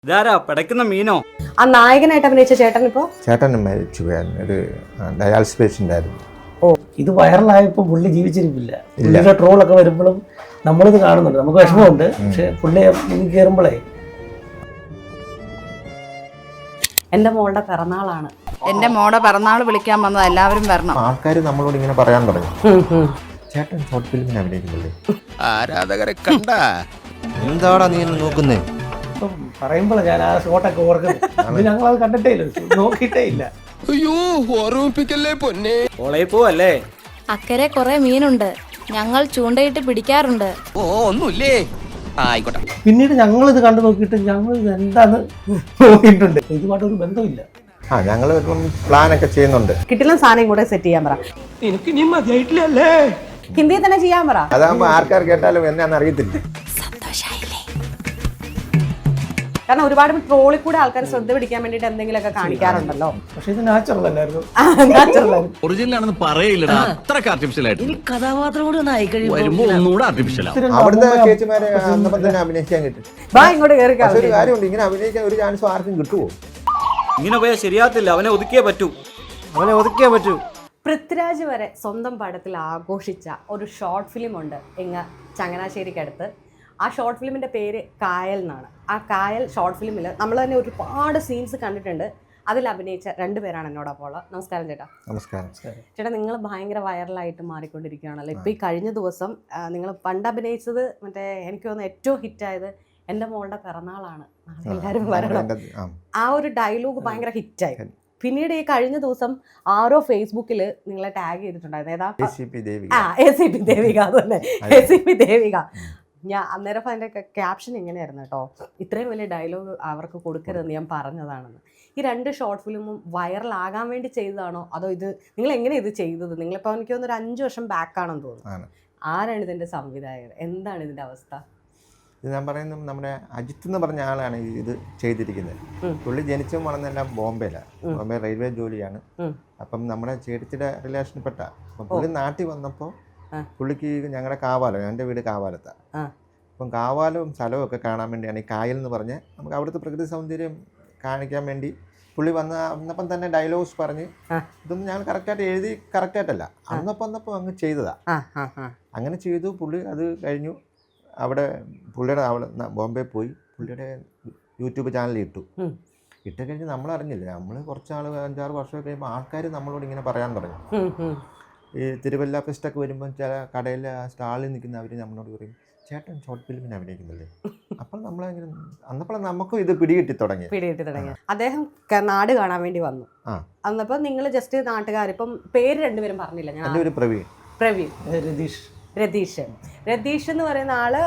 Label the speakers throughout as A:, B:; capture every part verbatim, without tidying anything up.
A: ഇതാരാ പിടയ്ക്കുന്ന മീനോ?
B: ആ നായകനായിട്ട് അഭിനയിച്ച ചേട്ടൻ ഇപ്പോ
C: ചേട്ടൻ മരിച്ചു പോയായിരുന്നു. ഒരു ഡയാലിസിസ് പേഷ്യൻ്റ് ആയിരുന്നു.
D: ഓ ഇത് വൈറലായപ്പോൾ പുള്ളി ജീവിച്ചിരിപ്പില്ല. പുള്ളിയുടെ ട്രോളൊക്കെ വരുമ്പോഴും നമ്മളിത് കാണുന്നുണ്ട്, നമുക്ക് വിഷമമുണ്ട്. പക്ഷെ പുള്ളി മുന്നിൽ കയറുമ്പോഴേ
B: എന്റെ മോളുടെ പിറന്നാളാണ്.
E: എന്റെ മോടെ പിറന്നാൾ വിളിക്കാൻ വന്നത് എല്ലാവരും വരണം.
C: ആൾക്കാർ നമ്മളോട് ഇങ്ങനെ പറയാൻ തുടങ്ങി, ചേട്ടൻ ഷോർട്ട് ഫിലിമിന് അഭിനയിക്കുന്നില്ലേ?
F: ആരാധകരെ കണ്ട
C: എന്താടാ നീ നോക്കുന്നേ?
D: ഇപ്പം പറയുമ്പോഴേ ഞാൻ ആ ഷോട്ടൊക്കെ ഓർക്കുന്നത്. ഞങ്ങളത് കണ്ടിട്ടേ ഇല്ല, നോക്കിയിട്ടേ ഇല്ല.
F: അയ്യോ ഓർമ്മിപ്പിക്കല്ലേ പൊന്നെ.
A: കോളേജിൽ പോവല്ലേ?
G: അക്കരെ കുറെ മീനുണ്ട്, ഞങ്ങൾ ചൂണ്ടയിട്ട് പിടിക്കാറുണ്ട്.
F: ഓ ഒന്നുമില്ലേ, ആയിക്കോട്ടെ.
D: പിന്നീട് ഞങ്ങളിത് കണ്ടു നോക്കിയിട്ട് ഞങ്ങൾ ഇത് എന്താന്ന് നോക്കിയിട്ടുണ്ട്. ഇതുമായിട്ടൊരു ബന്ധമില്ല.
C: ആ ഞങ്ങൾ ഇപ്പം പ്ലാനൊക്കെ ചെയ്യുന്നുണ്ട്.
B: കിട്ടില്ല സാധനം കൂടെ സെറ്റ് ചെയ്യാൻ പറ.
D: എനിക്ക് ഇനി മതിയായിട്ടില്ലല്ലേ?
B: ഹിന്ദിയിൽ തന്നെ ചെയ്യാൻ പറ.
C: അതാകുമ്പോൾ ആർക്കാർ കേട്ടാലും എന്നാന്ന് അറിയത്തില്ല.
B: കാരണം ഒരുപാട് ട്രോളിൽ കൂടെ ആൾക്കാർ ശ്രദ്ധ പിടിക്കാൻ വേണ്ടിട്ട് എന്തെങ്കിലുമൊക്കെ കാണിക്കാറുണ്ടല്ലോ.
D: പക്ഷെ ഇത് നാച്ചുറൽ അല്ലായിരുന്നു.
H: ഒറിജിനൽ ആണെന്ന് പറയില്ലടാ, അത്രക്ക് ആർട്ടിഫിഷ്യൽ ആയിട്ട്.
I: കഥാപാത്രം കൂടി ഒന്ന് ആയിക്കഴിയുമ്പോ
H: വരുമ്പോ ഒന്നുകൂടെ ആർട്ടിഫിഷ്യൽ ആവും.
C: അവിടുത്തെ ചേച്ചിമാരെ അന്നപ്പം തന്നെ അഭിനയിക്കാൻ കിട്ടും.
B: വാ ഇങ്ങോട്ട് കയറി.
C: പക്ഷെ ഒരു കാര്യമുണ്ട്, ഇങ്ങനെ അഭിനയിക്കാൻ ഒരു ചാൻസും ആർക്കും കിട്ടുമോ?
A: ഇങ്ങനെ പോയാൽ ശരിയാകത്തില്ല. അവനെ ഒതുക്കിയേ പറ്റൂ.
D: അവനെ ഒതുക്കിയേ പറ്റൂ.
B: പൃഥ്വിരാജ് വരെ സ്വന്തം പടത്തിൽ ആഘോഷിച്ച ഒരു ഷോർട്ട് ഫിലിം ഉണ്ട് ഇങ്ങ ചങ്ങനാശ്ശേരിക്കടുത്ത്. ആ ഷോർട്ട് ഫിലിമിൻ്റെ പേര് കായൽ എന്നാണ്. ആ കായൽ ഷോർട്ട് ഫിലിമിൽ നമ്മൾ തന്നെ ഒരുപാട് സീൻസ് കണ്ടിട്ടുണ്ട്. അതിൽ അഭിനയിച്ച രണ്ടുപേരാണ് എന്നോടൊപ്പം ഉള്ളത്. നമസ്കാരം ചേട്ടാ.
C: നമസ്കാരം.
B: ചേട്ടാ, നിങ്ങൾ ഭയങ്കര വൈറലായിട്ട് മാറിക്കൊണ്ടിരിക്കുകയാണല്ലോ. ഇപ്പോൾ ഈ കഴിഞ്ഞ ദിവസം നിങ്ങൾ പണ്ട് അഭിനയിച്ചത് മറ്റേ എനിക്ക് തോന്നുന്നു ഏറ്റവും ഹിറ്റായത് എൻ്റെ മോളുടെ പിറന്നാളാണ്, എല്ലാവരും വരണം, ആ ഒരു ഡയലോഗ് ഭയങ്കര ഹിറ്റായി. പിന്നീട് ഈ കഴിഞ്ഞ ദിവസം ആരോ ഫേസ്ബുക്കിൽ നിങ്ങളെ ടാഗ് ചെയ്തിട്ടുണ്ടായിരുന്നു. ഏതാ?
C: A C P Devika.
B: ആ എ സി പി ദേവിക, അതന്നെ, എ സി പി ദേവിക. ഞാൻ അന്നേരം അതിൻ്റെ ക്യാപ്ഷൻ ഇങ്ങനെയായിരുന്നു കേട്ടോ, ഇത്രയും വലിയ ഡയലോഗ് അവർക്ക് കൊടുക്കരുതെന്ന് ഞാൻ പറഞ്ഞതാണെന്ന്. ഈ രണ്ട് ഷോർട്ട് ഫിലിമും വൈറലാകാൻ വേണ്ടി ചെയ്തതാണോ അതോ ഇത് നിങ്ങൾ എങ്ങനെ ഇത് ചെയ്തത്? നിങ്ങളിപ്പോൾ എനിക്ക് തോന്നുന്നു ഒരു അഞ്ച് വർഷം ബാക്കാണെന്ന് തോന്നുന്നു. ആരാണ് ഇതിൻ്റെ സംവിധായകർ? എന്താണ് ഇതിൻ്റെ അവസ്ഥ?
C: ഇത് ഞാൻ പറയുന്നത് നമ്മുടെ അജിത്ത് എന്ന് പറഞ്ഞ ആളാണ് ഇത് ചെയ്തിരിക്കുന്നത്. പുള്ളി ജനിച്ചും വളർന്നെല്ലാം ബോംബെയിലാണ്. ബോംബെ റെയിൽവേ ജോലിയാണ്. അപ്പം നമ്മുടെ ചേട്ടത്തിയുടെ റിലേഷൻപ്പെട്ട. അപ്പം പുള്ളി നാട്ടിൽ വന്നപ്പോൾ പുള്ളിക്ക് ഞങ്ങളുടെ കാവാലം, എൻ്റെ വീട് കാവാലത്താണ്. അപ്പം കാവാലവും സ്ഥലവും ഒക്കെ കാണാൻ വേണ്ടിയാണ് ഈ കായൽ എന്ന് പറഞ്ഞ് നമുക്ക് അവിടുത്തെ പ്രകൃതി സൗന്ദര്യം കാണിക്കാൻ വേണ്ടി പുള്ളി വന്ന് അന്നപ്പം തന്നെ ഡയലോഗ്സ് പറഞ്ഞ് ഇതൊന്നും ഞങ്ങൾ കറക്റ്റായിട്ട് എഴുതി കറക്റ്റായിട്ടല്ല, അന്നപ്പം അന്നപ്പം അങ്ങ് ചെയ്തതാ. അങ്ങനെ ചെയ്തു. പുള്ളി അത് കഴിഞ്ഞു അവിടെ പുള്ളിയുടെ അവിടെ ബോംബെ പോയി പുള്ളിയുടെ യൂട്യൂബ് ചാനലിൽ ഇട്ടു. ഇട്ട് കഴിഞ്ഞ് നമ്മൾ അറിഞ്ഞില്ല. നമ്മൾ കുറച്ചാൾ അഞ്ചാറ് വർഷമൊക്കെ കഴിയുമ്പോൾ ആൾക്കാർ നമ്മളോട് ഇങ്ങനെ പറയാൻ തുടങ്ങി. ഈ തിരുവല്ല ഫെസ്റ്റൊക്കെ വരുമ്പോൾ ചില കടയിൽ സ്റ്റാളിൽ നിൽക്കുന്ന അവർ നമ്മളോട് പറയും, ചേട്ടൻ ഷോർട്ട് ഫിലിമിന് അഭിനയിക്കുന്നില്ലേ? അപ്പോൾ നമ്മളങ്ങനെ അന്നപ്പോൾ നമുക്കും ഇത് പിടികിട്ടി തുടങ്ങി
B: പിടികിട്ടി തുടങ്ങി അദ്ദേഹം നാട് കാണാൻ വേണ്ടി വന്നു. അന്നപ്പോൾ നിങ്ങൾ ജസ്റ്റ് നാട്ടുകാർ, ഇപ്പം പേര് രണ്ടുപേരും പറഞ്ഞില്ല. ഞാൻ
C: എൻ്റെ ഒരു പ്രവീൺ
B: പ്രവീൺ
D: രതീഷ്
B: രതീഷ് രതീഷ് എന്ന് പറയുന്ന ആള്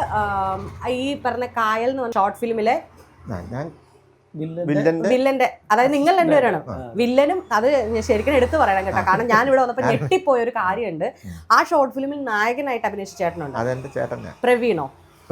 B: ഈ പറഞ്ഞ കായൽ എന്ന് പറഞ്ഞ ഷോർട്ട് ഫിലിമിലെ
C: ഞാൻ
B: വില്ലന്റെ, അതായത് നിങ്ങൾ രണ്ടുപേരാണ് വില്ലനും. അത് ശരിക്കും എടുത്തു പറയണം കേട്ടോ, കാരണം ഞാൻ ഇവിടെ വന്നപ്പോൾ ഞെട്ടിപ്പോയ ഒരു കാര്യമുണ്ട്. ആ ഷോർട്ട് ഫിലിമിൽ നായകനായിട്ട് അഭിനയിച്ച ചേട്ടനുണ്ട്, പ്രവീണോ?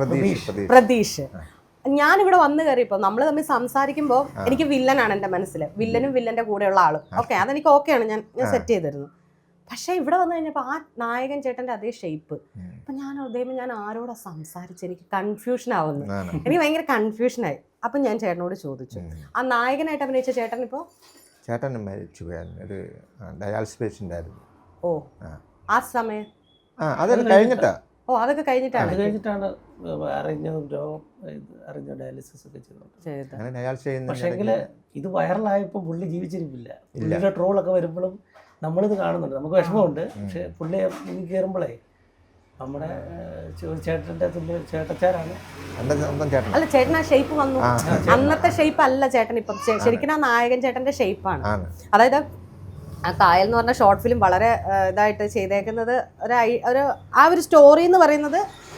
B: പ്രതീഷ്. ഞാനിവിടെ വന്നു കയറിയപ്പോൾ നമ്മൾ തമ്മിൽ സംസാരിക്കുമ്പോൾ എനിക്ക് വില്ലനാണ് എൻ്റെ മനസ്സിൽ, വില്ലനും വില്ലന്റെ കൂടെയുള്ള ആളും. ഓക്കെ, അതെനിക്ക് ഓക്കെയാണ്, ഞാൻ ഞാൻ സെറ്റ് ചെയ്തിരുന്നു. പക്ഷേ ഇവിടെ വന്നു കഴിഞ്ഞപ്പോൾ ആ നായകൻ ചേട്ടൻ്റെ അതേ ഷേപ്പ്. അപ്പം ഞാൻ ഉദയം ഞാൻ ആരോടാ സംസാരിച്ച് എനിക്ക് കൺഫ്യൂഷൻ ആവുന്നു, എനിക്ക് ഭയങ്കര കൺഫ്യൂഷനായി. അപ്പം ഞാൻ ചേട്ടനോട് ചോദിച്ചു, ആ നായകനായിട്ട് അഭിനയിച്ച ചേട്ടൻ ഇപ്പോൾ
C: ചേട്ടൻ മരിച്ചു പോയായിരുന്നു. ഒരു ഡയാലിസിസ് പേഷ്യൻ്റ് ആയിരുന്നു.
B: ഓ, ആ സമയം
C: ആ അതൊക്കെ കഴിഞ്ഞിട്ടാ.
B: ഓ, അതൊക്കെ കഴിഞ്ഞിട്ടാണ്
D: കഴിഞ്ഞിട്ടാണ് അറിഞ്ഞതും രോഗം അറിഞ്ഞ ഡയാലിസിസ് ഒക്കെ ചെയ്തത്. പക്ഷേങ്കിൽ ഇത് വൈറലായപ്പോൾ പുള്ളി ജീവിച്ചിരിപ്പില്ല. പുള്ളിയുടെ ട്രോളൊക്കെ വരുമ്പോഴും നമ്മളിത് കാണുന്നുണ്ട്, നമുക്ക് വിഷമമുണ്ട്. പക്ഷെ പുള്ളി മുന്നിൽ കയറുമ്പോഴേ നമ്മുടെ ചേട്ടൻ്റെ ചേട്ടച്ചാരാണ്.
B: അല്ല, ചേട്ടൻ ആ ഷേപ്പ് വന്നു. അന്നത്തെ ഷേപ്പ് അല്ല ചേട്ടൻ ഇപ്പം. ശരിക്കും ആ നായകൻ ചേട്ടന്റെ ഷേപ്പാണ്. അതായത് ആ കായൽ എന്ന് പറഞ്ഞ ഷോർട്ട് ഫിലിം വളരെ ഇതായിട്ട് ചെയ്തേക്കുന്നത് ഒരു ഒരു ആ ഒരു സ്റ്റോറി എന്ന് പറയുന്നത്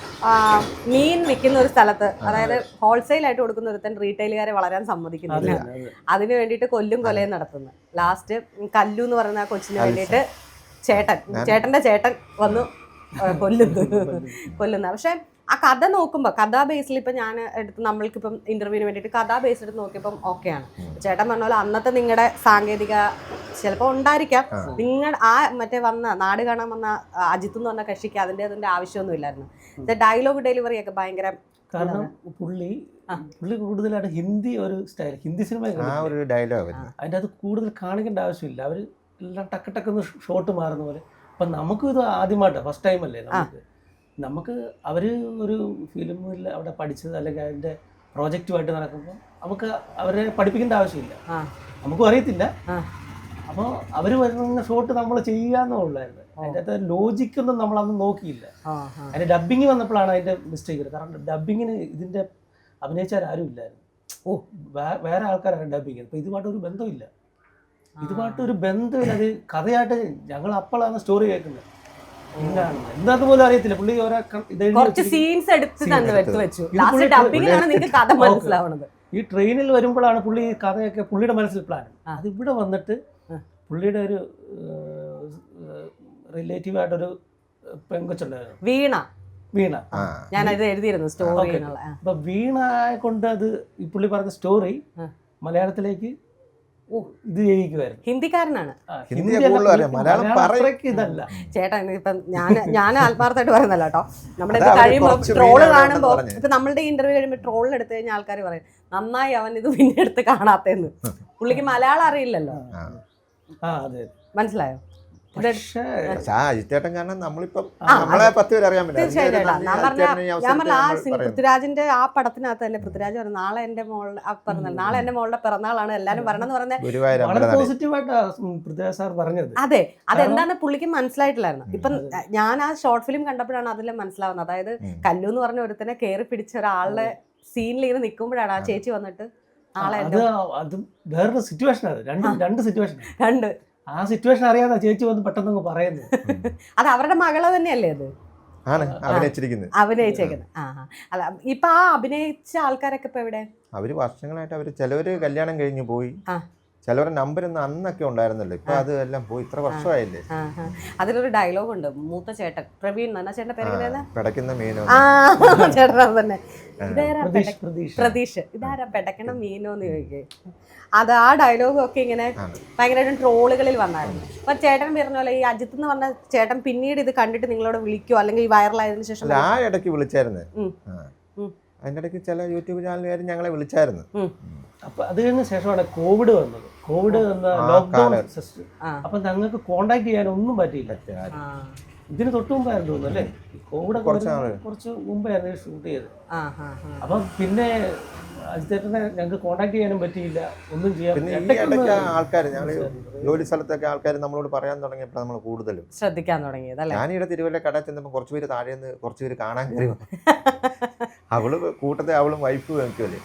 B: മീൻ വിൽക്കുന്ന ഒരു സ്ഥലത്ത്, അതായത് ഹോൾസെയിൽ ആയിട്ട് കൊടുക്കുന്ന ഒരുത്തൻ റീറ്റെയിലുകാരെ വളരാൻ സമ്മതിക്കുന്നില്ല. അതിന് വേണ്ടിയിട്ട് കൊല്ലും കൊലയും നടത്തുന്നു. ലാസ്റ്റ് കല്ലു എന്ന് പറയുന്ന ആ കൊച്ചിന് വേണ്ടിയിട്ട് ചേട്ടൻ ചേട്ടന്റെ ചേട്ടൻ വന്നു കൊല്ലുന്നു കൊല്ലുന്ന പക്ഷെ ആ കഥ നോക്കുമ്പോൾ കഥാ ബേസിൽ ഇപ്പം ഞാൻ എടുത്ത് നമ്മൾക്കിപ്പം ഇൻ്റർവ്യൂവിന് വേണ്ടിയിട്ട് കഥാ ബേസ് എടുത്ത് നോക്കിയപ്പം ഓക്കെയാണ്. ചേട്ടൻ പറഞ്ഞ പോലെ അന്നത്തെ നിങ്ങളുടെ സാങ്കേതിക ചിലപ്പോൾ ഉണ്ടായിരിക്കാം. നിങ്ങൾ ആ മറ്റേ വന്ന നാട് കാണാൻ വന്ന അജിത്ത് എന്ന് പറഞ്ഞ കക്ഷിക്ക് അതിൻ്റെ അതിൻ്റെ ആവശ്യമൊന്നും ഇല്ലായിരുന്നു. ഡയലോഗ് ഡെലിവറി ഒക്കെ ഭയങ്കര.
D: കാരണം പുള്ളി പുള്ളി കൂടുതലായിട്ട് ഹിന്ദി ഒരു സ്റ്റൈൽ ഹിന്ദി സിനിമ
C: ആ ഒരു ഡയലോഗ്
D: അതിൻ്റെ അത് കൂടുതൽ കാണിക്കേണ്ട ആവശ്യമില്ല. അവർ എല്ലാം ടക്ക് ടക്കെന്ന് ഷോട്ട് മാറുന്ന പോലെ. അപ്പം നമുക്കും ഇത് ആദ്യമായിട്ടാണ്, ഫസ്റ്റ് ടൈം അല്ലേ നമുക്ക്. നമുക്ക് അവർ ഒരു ഫിലിമിൽ അവിടെ പഠിച്ചത് അല്ലെങ്കിൽ അതിൻ്റെ പ്രോജക്റ്റുമായിട്ട് നടക്കുമ്പോൾ നമുക്ക് അവരെ പഠിപ്പിക്കേണ്ട ആവശ്യമില്ല, നമുക്കും അറിയത്തില്ല. അപ്പോൾ അവർ വരുന്ന ഷോട്ട് നമ്മൾ ചെയ്യാന്നേ ഉള്ളായിരുന്നു. അതിൻ്റെ അകത്ത് ലോജിക്കൊന്നും നമ്മളന്ന് നോക്കിയില്ല. അതിൻ്റെ ഡബ്ബിങ് വന്നപ്പോഴാണ് അതിൻ്റെ മിസ്റ്റേക്ക്. കാരണം ഡബ്ബിങ്ങിന് ഇതിൻ്റെ അഭിനയിച്ചാരും ഇല്ലായിരുന്നു. ഓ വേറെ ആൾക്കാരാണ് ഡബ്ബിങ്. അപ്പോൾ ഇതുമായിട്ടൊരു ബന്ധമില്ല, ഇതുമായിട്ടൊരു ബന്ധമില്ല. അത് കഥയായിട്ട് ഞങ്ങൾ അപ്പോഴാണ് സ്റ്റോറി കേൾക്കുന്നത്. എന്താണ് എന്താന്ന് പോലും അറിയത്തില്ല. പുള്ളി ഓരോ
B: സീൻസ് എടുത്ത് തന്നെ വെച്ചു. ലാസ്റ്റ് ഡബ്ബിങ്ങിലാണ് നിങ്ങൾക്ക് കഥ മനസ്സിലാവുന്നത്.
D: ഈ ട്രെയിനിൽ വരുമ്പോഴാണ് പുള്ളി ഈ കഥയൊക്കെ പുള്ളിയുടെ മനസ്സിൽ പ്ലാൻ. അത് ഇവിടെ വന്നിട്ട് പുള്ളിയുടെ ഒരു റിലേറ്റീവ് ആയിട്ടൊരു പെങ്കൊച്ചുണ്ടായിരുന്നു,
B: വീണ.
D: വീണ
B: ഞാനത് എഴുതിയിരുന്നു സ്റ്റോറി.
D: അപ്പൊ വീണ കൊണ്ട് അത് ഈ പുള്ളി പറഞ്ഞ സ്റ്റോറി മലയാളത്തിലേക്ക് ഇത് ചെയ്യിക്കുമായിരുന്നു.
B: ഹിന്ദിക്കാരനാണ്,
D: ഇതല്ല
B: ചേട്ടാ. ഇപ്പം ഞാൻ ഞാൻ ആത്മാർത്ഥമായിട്ട് പറയുന്നല്ല കേട്ടോ. നമ്മുടെ ഇത് കഴിയുമ്പോൾ ട്രോള് കാണുമ്പോൾ ഇപ്പൊ നമ്മളുടെ ഇന്റർവ്യൂ കഴിയുമ്പോൾ ട്രോളിൽ എടുത്തു കഴിഞ്ഞാൽ ആൾക്കാർ പറയും നന്നായി അവൻ ഇത് പിന്നെ എടുത്ത് കാണാത്തേന്ന്. പുള്ളിക്ക് മലയാളം അറിയില്ലല്ലോ, മനസ്സിലായോ?
C: അജിത്തേട്ടൻ കാരണം നമ്മളിപ്പം നമ്മളെ പത്ത് പേര് അറിയാൻ
B: തീർച്ചയായിട്ടും. ഞാൻ പറഞ്ഞ ഞാൻ പറഞ്ഞ ആ പൃഥ്വിരാജിന്റെ ആ പടത്തിനകത്ത് തന്നെ പൃഥ്വിരാജ് പറഞ്ഞു നാളെ എന്റെ മോളുടെ പിറന്നാൾ, നാളെ എന്റെ മോളുടെ പിറന്നാളാണ് എല്ലാരും പറയണം എന്ന്
D: പറഞ്ഞത്.
B: അതെ, അതെന്താന്ന് പുള്ളിക്ക് മനസ്സിലായിട്ടില്ലായിരുന്നു. ഇപ്പം ഞാൻ ആ ഷോർട്ട് ഫിലിം കണ്ടപ്പോഴാണ് അതിൽ മനസ്സിലാവുന്നത്. അതായത് കല്ലു എന്ന് പറഞ്ഞ ഒരുത്തനെ കയറി പിടിച്ച ഒരാളുടെ സീനിൽ ഇങ്ങനെ നിൽക്കുമ്പോഴാണ് ആ ചേച്ചി വന്നിട്ട് നാളെ
D: വേറൊരു സിറ്റുവേഷൻ. രണ്ട് രണ്ട് സിറ്റുവേഷൻ
B: രണ്ട്
D: ആ സിറ്റുവേഷൻ അറിയാതെ ചേച്ചി വന്ന് പെട്ടെന്ന് പറയുന്നത്.
B: അത് അവരുടെ മകളെ തന്നെയല്ലേ അത്
C: അഭിനയിച്ചിരിക്കുന്നത്,
B: അഭിനയിച്ചേക്കുന്നത്. ആ അല്ല, ഇപ്പൊ ആ അഭിനയിച്ച ആൾക്കാരൊക്കെ ഇപ്പൊ എവിടെ?
C: അവര് വർഷങ്ങളായിട്ട് അവര് ചിലവര് കല്യാണം കഴിഞ്ഞു പോയി, ചിലവരുടെ നമ്പർ ഒന്നും അന്നൊക്കെ ഉണ്ടായിരുന്നല്ലോ. ഇപ്പൊ അത് എല്ലാം പോയി, ഇത്ര വർഷമായില്ലേ.
B: അതിലൊരു ഡയലോഗ് ഉണ്ട്, മൂത്ത ചേട്ടൻ പ്രവീൺ എന്നാ ചേട്ടന്റെ പേര്
C: പെടക്കുന്ന മീനോ
B: ചേട്ടൻ തന്നെ. ഇതാരാ പ്രതീഷ്, ഇതാരാ പെടക്കണ മീനോന്ന് ചോദിക്കേ. അത് ആ ഡയലോഗും ഒക്കെ ഇങ്ങനെ ഭയങ്കരമായിട്ടും ട്രോളുകളിൽ വന്നായിരുന്നു. അപ്പൊ ചേട്ടൻ പറഞ്ഞ പോലെ ഈ അജിത്ത് എന്ന് പറഞ്ഞ ചേട്ടൻ പിന്നീട് ഇത് കണ്ടിട്ട് നിങ്ങളോട് വിളിക്കുവോ അല്ലെങ്കിൽ വൈറലായതിനു ശേഷം?
C: ആ ഇടയ്ക്ക് വിളിച്ചായിരുന്നു, അതിൻ്റെ ഇടയ്ക്ക് ചില യൂട്യൂബ് ചാനലുകാർ ഞങ്ങളെ വിളിച്ചായിരുന്നു.
D: അപ്പൊ അത് കഴിഞ്ഞ ശേഷമാണ് കോവിഡ് വന്നത്. കോവിഡ് വന്ന ലോക്ക്ഡൌൺ സിസ്റ്റം. അപ്പൊ ഞങ്ങൾക്ക് കോണ്ടാക്ട് ചെയ്യാൻ ഒന്നും പറ്റിയില്ല. ഇതിന് തൊട്ട് മുമ്പായിരുന്നു തോന്നുന്നു അല്ലേ? കോവിഡ് കുറച്ച് മുമ്പായിരുന്നു ഷൂട്ട് ചെയ്തത്. അപ്പം പിന്നെ അജിത്തേട്ടനെ ഞങ്ങൾക്ക് കോണ്ടാക്ട് ചെയ്യാനും പറ്റിയില്ല, ഒന്നും ചെയ്യാൻ.
C: ആൾക്കാർ ഞങ്ങൾ ജോലി സ്ഥലത്തൊക്കെ ആൾക്കാർ നമ്മളോട് പറയാൻ തുടങ്ങിയപ്പോൾ നമ്മൾ കൂടുതലും
B: ശ്രദ്ധിക്കാൻ തുടങ്ങിയത്.
C: ഞാനിവിടെ തിരുവല്ല കട ചെന്നപ്പോൾ കുറച്ച് പേര് താഴെ നിന്ന് കുറച്ച് പേര് കാണാൻ കയറി. അവള് കൂട്ടത്തെ അവളും വൈഫ് വെക്കുമല്ലേ,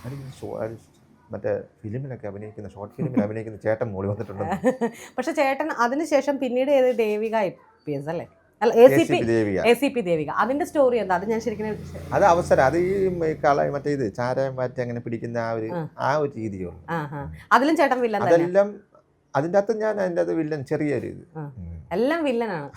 C: മറ്റേ ഫിലിമിലൊക്കെ അഭിനയിക്കുന്ന ഷോർട്ട് ഫിലിമിൽ അഭിനയിക്കുന്ന ചേട്ടൻ മോളി വന്നിട്ടുണ്ട്.
B: പക്ഷെ ചേട്ടൻ അതിനുശേഷം പിന്നീട് ഏത് ദേവിക ഐ പി എസ് അല്ലേ? അല്ല, എ സി പി ദേവിക. അതിന്റെ സ്റ്റോറി എന്താ? അത് ഞാൻ ശരിക്കും
C: അത് അവസരം, അത് ഈ കള മറ്റേ ഇത് ചാരം മാറ്റി അങ്ങനെ പിടിക്കുന്ന ആ ഒരു ആ ഒരു രീതിയുള്ളൂ.
B: അതിലും ചേട്ടൻ വില്ലൻ.
C: അതെല്ലാം അതിൻ്റെ അകത്ത് ഞാൻ അതിൻ്റെ അത് വില്ലൻ ചെറിയൊരു ഇത്
B: എല്ലാം വില്ലനാണ്.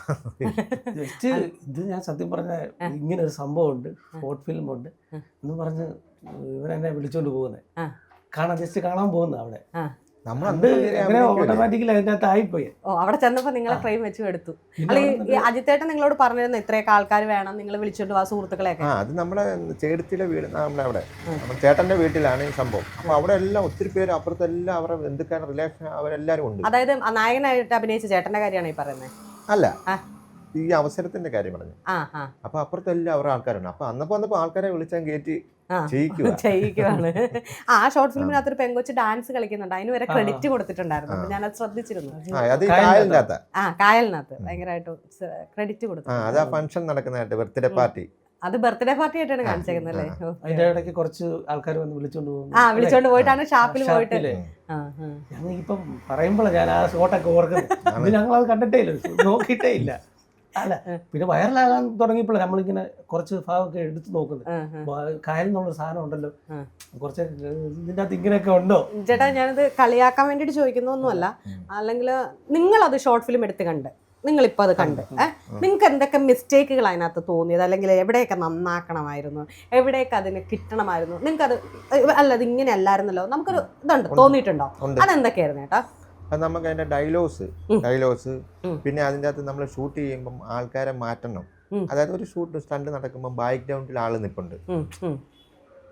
D: ഇത് ഞാൻ സത്യം പറഞ്ഞ ഇങ്ങനെ ഒരു സംഭവം ഉണ്ട്, ഷോർട്ട് ഫിലിം ഉണ്ട് എന്ന് പറഞ്ഞ് ഇവരെന്നെ വിളിച്ചോണ്ട് പോകുന്നത് കാണാൻ, ജസ്റ്റ് കാണാൻ പോകുന്നത് അവിടെ. ഓട്ടോമാറ്റിക്കലി അതിൻ്റെ അകത്ത് ആയിപ്പോയി.
B: ഓ, അവിടെ ചെന്നപ്പോ നിങ്ങളെ ഫ്രെയിം വെച്ച് എടുത്തു. അല്ലെങ്കിൽ അജിത്തേട്ടൻ നിങ്ങളോട് പറഞ്ഞിരുന്നു ഇത്രയൊക്കെ ആൾക്കാർ വേണം, നിങ്ങൾ വിളിച്ചോണ്ട് വാ സുഹൃത്തുക്കളെയൊക്കെ?
C: ആ, അത് നമ്മുടെ ചേടത്തിലെ വീട്, നമ്മുടെ അവിടെ ചേട്ടന്റെ വീട്ടിലാണ് ഈ സംഭവം. അപ്പൊ അവിടെ എല്ലാം ഒത്തിരി പേര് അപ്പുറത്തെല്ലാം അവരുടെ ബന്ധുക്കാരുടെ റിലേഷൻ അവരെല്ലാരും ഉണ്ട്.
B: അതായത് നായകനായിട്ട് അഭിനയിച്ച ചേട്ടന്റെ കാര്യമാണ് ഈ പറയുന്നത്?
C: അല്ല, ഈ അവസരത്തിന്റെ കാര്യം പറഞ്ഞു. അപ്പൊ അപ്പുറത്തെല്ലാം അവരുടെ ആൾക്കാരുണ്ട്. അപ്പൊ അന്നപ്പോ വന്നപ്പോ ആൾക്കാരെ വിളിച്ചാൽ കയറ്റി
B: ചെയ്യിക്കുവാണ്. ആ ഷോർട്ട് ഫിലിമിനകത്ത് ഒരു പെങ്കൊച്ച് ഡാൻസ് കളിക്കുന്നുണ്ട്, അതിന് വരെ ക്രെഡിറ്റ് കൊടുത്തിട്ടുണ്ടായിരുന്നു. അപ്പൊ ഞാനത് ശ്രദ്ധിച്ചിരുന്നു. ആ, കായലിനകത്ത് ഭയങ്കരമായിട്ട് ക്രെഡിറ്റ് കൊടുത്തു.
C: ഫംഗ്ഷൻ നടക്കുന്നതായിട്ട് ബർത്ത്ഡേ പാർട്ടി,
B: അത് ബർത്ത്ഡേ പാർട്ടി ആയിട്ടാണ് കാണിച്ചേക്കുന്നത് അല്ലേ?
D: അതിന്റെ ഇടയ്ക്ക് കുറച്ച് ആൾക്കാർ വന്ന് വിളിച്ചോണ്ട് പോകും.
B: ആ, വിളിച്ചോണ്ട് പോയിട്ടാണ് ഷാപ്പിൽ പോയിട്ട്.
D: ഞങ്ങൾ ഇപ്പം പറയുമ്പോഴാണ് ഞാൻ ആ ഷോട്ടൊക്കെ ഓർക്കുന്നത്. ഞങ്ങളത് കണ്ടിട്ടേ ഇല്ല, നോക്കിയിട്ടേ ഇല്ല. അല്ല, പിന്നെ വൈറലാകാൻ തുടങ്ങിയപ്പോഴാണ് നമ്മളിങ്ങനെ കുറച്ച് ഭാഗമൊക്കെ എടുത്ത് നോക്കുന്നത്. കായൽ എന്നുള്ള സാധനം ഉണ്ടല്ലോ, കുറച്ച് ഇതിൻ്റെ അകത്ത് ഇങ്ങനെയൊക്കെ ഉണ്ടോ?
B: ചേട്ടാ, ഞാനത് കളിയാക്കാൻ വേണ്ടിയിട്ട് ചോദിക്കുന്നൊന്നുമല്ല. അല്ലെങ്കിൽ നിങ്ങളത് ഷോർട്ട് ഫിലിം എടുത്ത് കണ്ട് നിങ്ങളിപ്പോൾ അത് കണ്ട് ഏഹ് നിങ്ങൾക്ക് എന്തൊക്കെ മിസ്റ്റേക്കുകൾ അതിനകത്ത് തോന്നിയത്, അല്ലെങ്കിൽ എവിടെയൊക്കെ നന്നാക്കണമായിരുന്നു, എവിടെയൊക്കെ അതിന് കിട്ടണമായിരുന്നു, നിങ്ങൾക്കത് അല്ല അത് ഇങ്ങനെ അല്ലായിരുന്നല്ലോ നമുക്കൊരു ഇതുണ്ട് തോന്നിയിട്ടുണ്ടോ? അതെന്തൊക്കെയായിരുന്നു ചേട്ടാ?
C: അത് നമുക്ക് അതിന്റെ ഡയലോഗ്സ് ഡയലോഗ്സ് പിന്നെ അതിൻ്റെ അകത്ത് നമ്മൾ ഷൂട്ട് ചെയ്യുമ്പം ആൾക്കാരെ മാറ്റണം. അതായത് ഒരു ഷൂട്ട് സ്റ്റണ്ട് നടക്കുമ്പോൾ ബാക്ക്ഗ്രൗണ്ടിൽ ആള് നിൽപ്പുണ്ട്,